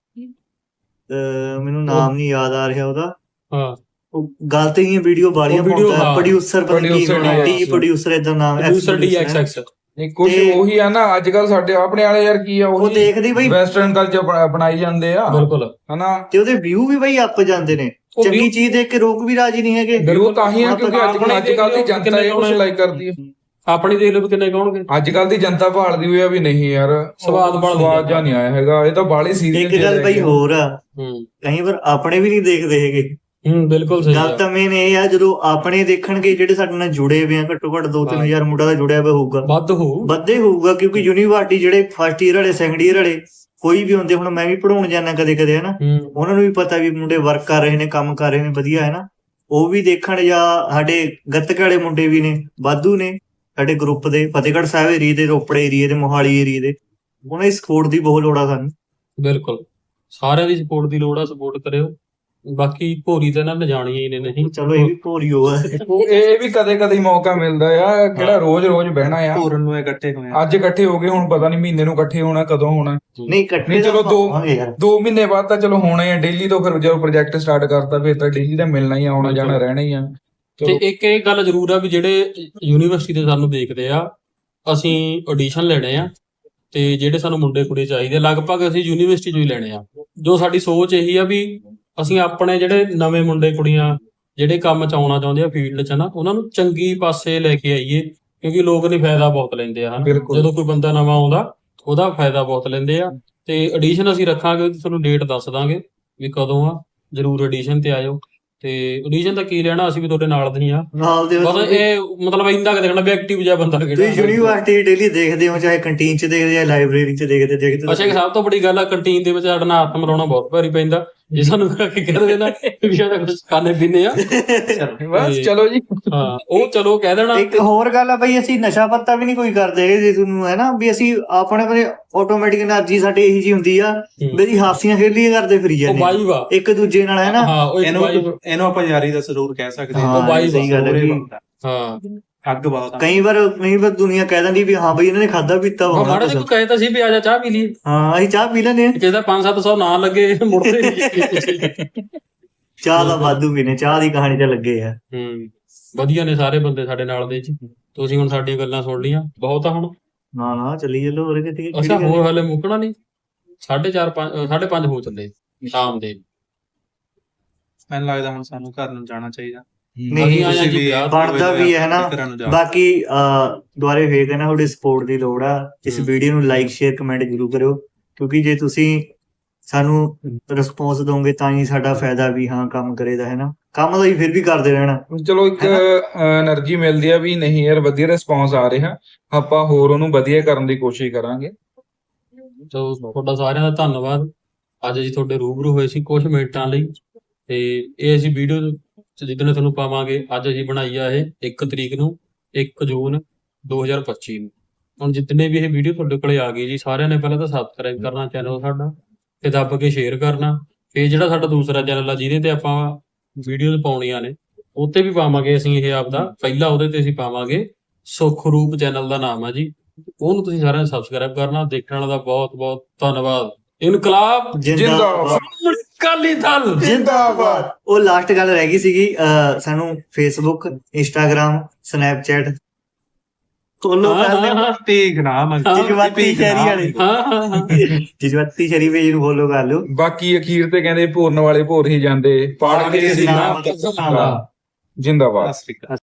A: ਅਹ, ਮੈਨੂੰ ਨਾਮ ਨਹੀਂ ਯਾਦ ਆ ਰਿਹਾ ਉਹਦਾ।
B: ਹਾਂ
A: ਉਹ ਗਲਤ ਹੀ ਵੀਡੀਓ ਵਾਲੀਆਂ
B: ਉਹ video,
A: ਪਾਉਂਦਾ,
B: ਹਾਂ।
A: ਪ੍ਰੋਡਿਊਸਰ ਪਤਾ ਨਹੀਂ ਕੀ
C: Producer
A: ਹੋਣਾ, ਟੀ
C: producer।
A: ਪ੍ਰੋਡਿਊਸਰ ਇਦਾਂ ਨਾਮ
B: ਪ੍ਰੋਡਿਊਸਰ ਡੀ ਐਕਸ ਐਕਸ।
C: ਨਹੀਂ ਕੁਝ
A: ਤੇ-
C: ਉਹੀ ਆ ਨਾ ਅੱਜ ਕੱਲ ਸਾਡੇ ਆਪਣੇ ਵਾਲੇ ਯਾਰ ਕੀ ਆ
A: ਉਹ
C: ਉਹ
A: ਦੇਖਦੀ ਬਈ
C: ਵੈਸਟਰਨ ਕਲਚਰ ਬਣਾਈ ਜਾਂਦੇ ਆ
B: ਬਿਲਕੁਲ।
C: ਹਨਾ।
A: ਤੇ ਉਹਦੇ ਵਿਊ ਵੀ ਬਈ ਅੱਪ ਜਾਂਦੇ ਨੇ।
B: ਉਹ
A: ਚੰਗੀ
B: view-
A: ਚੀਜ਼ ਦੇਖ ਕੇ ਲੋਕ ਵੀ ਰਾਜੀ ਨਹੀਂ ਹੈਗੇ।
C: ਬਿਲਕੁਲ ਤਾਂ ਹੀ ਆ ਕਿਉਂਕਿ ਅੱਜ
B: ਆਪਣੇ
C: ਅੱਜ ਕੱਲ ਦੀ ਜਨਤਾ ਇਹ ਕੁਝ
B: ਕਿੰਨੇ
C: ਲਾਈਕ ਕਰਦੀ ਹੈ।
B: ਆਪਣੀ ਦੇਖ ਲਓ ਵੀ ਕਿੰਨੇ ਕਹੋਣਗੇ।
C: ਅੱਜ ਕੱਲ ਦੀ ਜਨਤਾ ਭਾਲਦੀ ਹੋਈ ਆ ਵੀ ਨਹੀਂ ਯਾਰ
B: ਸਵਾਦ
C: ਉਹ
B: ਭਾਲਦੀ
C: ਸਵਾਦ
B: ਆ।
C: ਜਾਂ ਨਹੀਂ ਆਇਆ ਹੈਗਾ, ਇਹ ਤਾਂ ਬਾਹਲੀ ਸੀਰੀਅਸ
A: ਇੱਕ ਗੱਲ ਬਈ ਹੋਰ ਆ,
B: ਹੂੰ
A: ਕਈ ਵਾਰ ਆਪਣੇ ਵੀ ਨਹੀਂ ਦੇਖਦੇ ਹੈਗੇ।
B: ਹੂੰ ਬਿਲਕੁਲ ਸਹੀ
A: ਗੱਲ
B: ਆ।
A: ਤਾਂ ਮੇਨ ਇਹ ਆ ਜਦੋਂ ਆਪਣੇ ਦੇਖਣਗੇ ਜਿਹੜੇ ਸਾਡੇ ਨਾਲ ਜੁੜੇ ਹੋਏ ਆ, ਘੱਟੋ ਘੱਟ ਦੋ ਤਿੰਨ
B: ਹਾਂ।
A: ਹਜ਼ਾਰ ਮੁੰਡਾ ਦਾ ਜੁੜਿਆ ਹੋਇਆ ਹੋਊਗਾ,
B: ਵੱਧ ਹੋਊ।
A: ਵੱਧੇ ਹੋਊਗਾ। ਕਿਉਂਕਿ ਯੂਨੀਵਰਸਿਟੀ ਜਿਹੜੇ ਫਸਟ ਈਅਰ ਵਾਲੇ ਸੈਕੰਡ ਈਅਰ ਵਾਲੇ ਕੋਈ ਵੀ ਹੁੰਦੇ, ਹੁਣ ਮੈਂ ਵੀ ਪੜਾਉਣ ਜਾਂਦਾ ਕਦੇ ਕਦੇ ਹਨਾ,
B: ਹੂੰ
A: ਉਹਨਾਂ ਨੂੰ ਵੀ ਪਤਾ ਵੀ ਮੁੰਡੇ ਵਰਕ ਕਰ ਰਹੇ ਨੇ, ਕੰਮ ਕਰ ਰਹੇ ਨੇ ਵਧੀਆ ਹੈ ਨਾ, ਉਹ ਵੀ ਦੇਖਣ। ਜਾਂ ਸਾਡੇ ਗੱਤਕੇ ਵਾਲੇ ਮੁੰਡੇ ਵੀ ਨੇ, ਵਾਧੂ ਨੇ ਸਾਡੇ ਗਰੁੱਪ ਦੇ, ਫਤਿਹਗੜ੍ਹ ਸਾਹਿਬ ਏਰੀਏ ਦੇ, ਰੋਪੜੇ ਏਰੀਏ ਦੇ, ਮੋਹਾਲੀ ਏਰੀਏ ਦੇ। ਉਹਨਾਂ ਦੀ ਸਪੋਰਟ ਦੀ ਬਹੁਤ ਲੋੜ ਆ ਸਾਨੂੰ।
B: ਬਿਲਕੁਲ ਸਾਰਿਆਂ ਦੀ ਸਪੋਰਟ ਦੀ ਲੋੜ ਆ, ਸਪੋਰਟ ਕਰਿਓ। ਬਾਕੀ ਭੋਰੀ ਤਾਂ ਇਹਨਾਂ ਨੇ ਜਾਣੀਆਂ ਹੀ ਨੇ। ਨਹੀਂ
A: ਚਲੋ ਇਹ ਵੀ ਭੋਰੀ ਹੋ ਆ।
C: ਉਹ ਇਹ ਵੀ ਕਦੇ ਕਦੇ ਹੀ ਮੌਕਾ ਮਿਲਦਾ ਆ, ਕਿਹੜਾ ਰੋਜ਼ ਰੋਜ਼ ਬਹਿਣਾ ਆ।
D: ਪੂਰਨ ਨੂੰ ਇਕੱਠੇ ਹੋਏ ਆ।
C: ਅੱਜ ਇਕੱਠੇ ਹੋ ਗਏ, ਹੁਣ ਪਤਾ ਨਹੀਂ ਮਹੀਨੇ ਨੂੰ ਇਕੱਠੇ ਹੋਣਾ ਕਦੋਂ ਹੋਣਾ।
A: ਨਹੀਂ ਇਕੱਠੇ
C: ਨਹੀਂ, ਚਲੋ
A: ਤਾਂ
C: ਦੋ-
A: ਹੋਵਾਂਗੇ ਯਾਰ।
C: ਦੋ ਮਹੀਨੇ ਬਾਅਦ ਤਾਂ ਚਲੋ ਹੋਣਾ ਹੀ ਆ ਡੇਲੀ ਤੋਂ। ਫਿਰ ਜਦੋਂ ਪ੍ਰੋਜੈਕਟ ਸਟਾਰਟ ਕਰਤਾ ਫਿਰ ਤਾਂ ਡੇਲੀ ਦਾ ਮਿਲਣਾ ਹੀ ਆ, ਆਉਣਾ ਜਾਣਾ ਰਹਿਣਾ ਹੀ ਆ।
B: ਤੇ
C: ਚਲੋ
B: ਇੱਕ ਇਹ ਗੱਲ ਜ਼ਰੂਰ ਆ ਵੀ ਜਿਹੜੇ ਯੂਨੀਵਰਸਿਟੀ ਦੇ ਸਾਨੂੰ ਦੇਖਦੇ ਆ, ਅਸੀਂ ਆਡੀਸ਼ਨ ਲੈਣੇ ਆ ਤੇ ਜਿਹੜੇ ਸਾਨੂੰ ਮੁੰਡੇ ਕੁੜੀ ਚਾਹੀਦੇ ਲਗਭਗ ਅਸੀਂ ਯੂਨੀਵਰਸਿਟੀ ਚੋਂ ਹੀ ਲੈਣੇ ਆ। ਜੋ ਸਾਡੀ ਸੋਚ ਇਹੀ ਆ ਵੀ ਅਸੀਂ ਆਪਣੇ ਜਿਹੜੇ ਨਵੇਂ ਮੁੰਡੇ ਕੁੜੀਆਂ ਜਿਹੜੇ ਕੰਮ ਚ ਆਉਣਾ ਚਾਹੁੰਦੇ ਆ ਫੀਲਡ ਚ ਨਾ, ਉਹਨਾਂ ਨੂੰ ਚੰਗੀ ਪਾਸੇ ਲੈ ਕੇ ਆਈਏ। ਕਿਉਂਕਿ ਲੋਕ ਨੇ ਫਾਇਦਾ ਬਹੁਤ ਲੈਂਦੇ ਆ ਹਨਾ,
C: ਬਿਲਕੁਲ।
B: ਜਦੋਂ ਕੋਈ ਬੰਦਾ ਨਵਾਂ ਆਉਂਦਾ ਉਹਦਾ ਫਾਇਦਾ ਬਹੁਤ ਲੈਂਦੇ ਆ। ਤੇ ਆਡੀਸ਼ਨ ਅਸੀਂ ਰੱਖਾਂਗੇ, ਉਹਦੀ ਤੁਹਾਨੂੰ ਡੇਟ ਦੱਸ ਦਾਂਗੇ ਵੀ ਕਦੋਂ ਆ। ਜਰੂਰ ਆਡੀਸ਼ਨ ਤੇ ਆਇਓ। ਤੇ ਆਡੀਸ਼ਨ ਤਾਂ ਕੀ ਲੈਣਾ, ਅਸੀਂ ਵੀ ਤੁਹਾਡੇ ਨਾਲ ਦੇ ਹੀ ਆ।
A: ਨਾਲ ਦੇ
B: ਬਸ ਇਹ ਮਤਲਬ ਇੰਦਾ ਕਿ ਦੇਖਣਾ ਵੀ ਐਕਟਿਵ ਜਿਹਾ ਬੰਦਾ
A: ਤੁਸੀਂ
B: ਕਿਹੜਾ।
A: ਯੂਨੀਵਰਸਿਟੀ ਡੇਲੀ ਦੇਖਦੇ ਹੋ, ਚਾਹੇ ਕੰਟੀਨ ਚ ਦੇਖਦੇ ਜਾਂ ਲਾਇਬ੍ਰੇਰੀ ਚ ਦੇਖਦੇ ਦੇਖਦੇ
B: ਅੱਛਾ, ਇੱਕ ਸਭ ਤੋਂ ਵੱਡੀ ਗੱਲ ਆ, ਕੰਟੀਨ ਦੇ ਵਿੱਚ ਸਾਡਾ ਨਾਲ ਹੱਥ ਮਿਲਾਉਣਾ ਬਹੁਤ ਭਾਰੀ ਪੈਂਦਾ। ਜੇ ਸਾਨੂੰ ਕੀ ਕਹਿ ਦੇਣਾ ਵੀ ਸਾਡਾ ਕੁਝ ਖਾਣੇ ਪੀਣੇ ਆ,
C: ਬਸ ਚਲੋ ਜੀ।
B: ਹਾਂ ਉਹ ਚਲੋ ਕਹਿ ਦੇਣਾ।
A: ਇੱਕ ਹੋਰ ਗੱਲ ਆ ਬਈ, ਅਸੀਂ ਨਸ਼ਾ ਪੱਤਾ ਵੀ ਨਹੀਂ ਕੋਈ ਕਰਦੇ ਹੈਗੇ। ਜੇ ਤੁਹਾਨੂੰ ਹੈ ਨਾ ਵੀ ਅਸੀਂ ਆਪਣੇ ਆਪਣੇ ਆਟੋਮੈਟਿਕ એનર્ਜੀ ਸਾਡੀ ਇਹੀ ਜੀ ਹੁੰਦੀ ਆ ਵੀ ਅਸੀਂ ਹਾਸੀਆਂ ਖੇਲੀਆਂ ਕਰਦੇ ਫਿਰੀ
B: ਉਹ
A: ਜਾਂਦੇ
B: ਬਾਈ ਵਾ।
A: ਇੱਕ ਦੂਜੇ ਨਾਲ ਹੈ ਨਾ।
B: ਹਾਂ ਉਹ ਇੱਕ
D: ਇਹਨੂੰ
B: ਬਾਈ।
D: ਇਹਨੂੰ ਆਪਾਂ ਯਾਰੀ ਦਾ ਜ਼ਰੂਰ ਕਹਿ ਸਕਦੇ
A: ਹਾਂ,
B: ਉਹ ਬਾਈ
A: ਸਹੀ ਗੱਲ ਹੈ
D: ਜ਼ਰੂਰ ਇਹ
A: ਜੀ।
D: ਬਣਦਾ।
B: ਹਾਂ
D: ਅੱਗ ਬਹੁਤ ਆ।
A: ਕਈ ਵਾਰ ਕਈ ਵਾਰ ਦੁਨੀਆ ਕਹਿ ਦਿੰਦੀ ਵੀ ਹਾਂ ਬਈ ਇਹਨਾਂ ਨੇ ਖਾਦਾ ਪੀਤਾ
B: ਉਹ
A: ਹੋਣਾ
B: ਮਾੜਾ ਜਿਹਾ
A: ਕੁਛ।
B: ਕੋਈ ਕਹੇ ਤਾਂ ਸੀ ਵੀ ਆ ਜਾ ਚਾਹ ਪੀ ਲਈ,
A: ਹਾਂ ਅਸੀਂ ਚਾਹ ਪੀ ਲੈਂਦੇ ਆ।
B: ਜਿਹਦਾ ਪੰਜ ਸੱਤ ਸੌ ਨਾ ਲੱਗੇ ਮੁੜਦੇ ਨਹੀਂ।
A: ਚਾਹ ਦਾ ਵਾਧੂ ਪੀਨੇ, ਚਾਹ ਦੀ ਕਹਾਣੀ ਤੇ ਲੱਗੇ ਆ।
B: ਹੂੰ ਵਧੀਆ ਨੇ ਸਾਰੇ ਬੰਦੇ ਸਾਡੇ ਨਾਲ ਦੇ ਜੀ। ਤੁਸੀਂ ਹੁਣ ਸਾਡੀਆਂ ਗੱਲਾਂ ਸੁਣ ਲੀਆਂ, ਬਹੁਤ ਆ ਹੁਣ।
A: ਨਾ ਨਾ ਚੱਲੀ ਚੱਲੋ ਹੋਰ ਕਿਤੇ।
B: ਅੱਛਾ ਹੋਰ ਹਾਲੇ ਮੁੱਕਣਾ ਨਹੀਂ। ਸਾਢੇ ਚਾਰ ਪੰਜ ਅ, ਸਾਢੇ ਪੰਜ ਹੋ ਚੱਲੇ ਸ਼ਾਮ ਦੇ।
D: ਮੈਨੂੰ ਲੱਗਦਾ ਹੁਣ ਸਾਨੂੰ ਘਰ ਨੂੰ ਜਾਣਾ ਚਾਹੀਦਾ।
A: ਨਹੀਂ
B: ਅਸੀਂ ਆਏ ਆ
D: ਤੁਸੀਂ
B: ਜੀ
D: ਵੀ
B: ਵਿਆਹ ਤੋਂ।
A: ਬਣਦਾ ਵੀ ਹੈ ਨਾ।
D: ਘਰਾਂ ਨੂੰ ਜਾਓ।
A: ਬਾਕੀ ਅਹ ਦੁਆਰੇ ਫੇਰ ਨਾ ਤੁਹਾਡੀ ਸਪੋਰਟ ਦੀ ਲੋੜ ਆ। ਇਸ
B: ਹਮ।
A: ਵੀਡੀਓ ਨੂੰ ਲਾਈਕ ਸ਼ੇਅਰ ਕਮੈਂਟ ਜ਼ਰੂਰ ਕਰਿਓ, ਕਿਉਂਕਿ ਜੇ ਤੁਸੀਂ ਸਾਨੂੰ ਰਿਸਪੌਂਸ ਦੋਗੇ ਤਾਂ ਹੀ ਸਾਡਾ ਫਾਇਦਾ ਵੀ ਹਾਂ ਕੰਮ ਕਰੇਦਾ ਹੈ ਨਾ। ਕੰਮ ਤਾਂ ਹੀ ਫਿਰ ਵੀ ਕਰਦੇ ਰਹਿਣਾ।
C: ਚਲੋ ਇੱਕ એનર્ਜੀ ਮਿਲਦੀ ਆ ਵੀ ਨਹੀਂ ਯਾਰ ਵਧੀਆ ਰਿਸਪੌਂਸ ਆ ਰਿਹਾ, ਆਪਾਂ ਹੋਰ ਉਹਨੂੰ ਵਧੀਆ ਕਰਨ ਦੀ ਕੋਸ਼ਿਸ਼ ਕਰਾਂਗੇ।
B: ਸੋ ਤੁਹਾਡਾ ਸਾਰਿਆਂ ਦਾ ਧੰਨਵਾਦ। ਅੱਜ ਅਸੀਂ ਤੁਹਾਡੇ ਰੂਬਰੂ ਹੋਏ ਸੀ ਕੁਝ ਮਿੰਟਾਂ ਲਈ, ਤੇ ਇਹ ਅਸੀਂ ਵੀਡੀਓ ਜਿੱਦਣ ਤੁਹਾਨੂੰ ਪਾਵਾਂਗੇ। ਅੱਜ ਅਸੀਂ ਬਣਾਈ ਆ ਇਹ ਇੱਕ ਤਰੀਕ ਨੂੰ, ਇੱਕ ਜੂਨ ਦੋ ਹਜ਼ਾਰ ਪੱਚੀ ਨੂੰ। ਹੁਣ ਜਿੰਨੇ ਵੀ ਇਹ ਵੀਡੀਓ ਤੁਹਾਡੇ ਕੋਲੇ ਆ ਗਈ ਜੀ, ਸਾਰਿਆਂ ਨੇ ਪਹਿਲਾਂ ਤਾਂ ਸਬਸਕ੍ਰਾਈਬ ਕਰਨਾ ਚੈਨਲ ਸਾਡਾ, ਤੇ ਦੱਬ ਕੇ ਸ਼ੇਅਰ ਕਰਨਾ। ਫਿਰ ਜਿਹੜਾ ਸਾਡਾ ਦੂਸਰਾ ਚੈਨਲ ਆ ਜਿਹਦੇ ਤੇ ਆਪਾਂ ਵੀਡੀਓਜ਼ ਪਾਉਣੀਆਂ ਨੇ, ਉੱਤੇ ਵੀ ਪਾਵਾਂਗੇ ਅਸੀਂ ਇਹ ਆਪਦਾ। ਪਹਿਲਾ ਉਹਦੇ ਤੇ ਅਸੀਂ ਪਾਵਾਂਗੇ ਸੁੱਖ ਰੂਪ ਚੈਨਲ ਦਾ ਨਾਮ ਆ ਜੀ, ਉਹਨੂੰ ਤੁਸੀਂ ਸਾਰਿਆਂ ਨੇ ਸਬਸਕ੍ਰਾਈਬ ਕਰਨਾ। ਦੇਖਣ ਵਾਲਾ ਦਾ ਬਹੁਤ ਬਹੁਤ ਧੰਨਵਾਦ। ਇਨਕਲਾਬ
C: ਜਿੰਦਾਬਾਦ।
B: ਅਕਾਲੀ ਦਲ
C: ਜਿੰਦਾਬਾਦ।
A: ਉਹ ਲਾਸਟ ਗੱਲ ਰਹਿ ਗਈ ਸੀਗੀ, ਅਹ ਸਾਨੂੰ ਫੇਸਬੁੱਕ, ਇੰਸਟਾਗ੍ਰਾਮ, ਸਨੈਪਚੈਟ
D: ਫੋਲੋ
B: ਹਾਂ,
D: ਕਰਦੇ
B: ਹਾਂ, ਹਾਂ।
D: ਭੇਗ ਨਾ ਮੰਗੀ
A: ਜਜ਼ਬਾਤੀ ਸ਼ਹਿਰੀ ਵਾਲੇ
B: ਹਾਂ ਹਾਂ ਹਾਂ
A: ਜਜ਼ਬਾਤੀ ਸ਼ਹਿਰੀ ਪੇਜ ਨੂੰ ਫੋਲੋ ਕਰ ਲਿਓ।
C: ਬਾਕੀ ਅਖੀਰ ਤੇ ਕਹਿੰਦੇ ਭੋਰਨ ਵਾਲੇ ਭੋਰ ਹੀ ਜਾਂਦੇ, ਪੜ ਕੇ ਸੀ ਨਾਮ ਜਿੰਦਾਬਾਦ।
D: ਸਤਿ ਸ਼੍ਰੀ ਅਕਾਲ।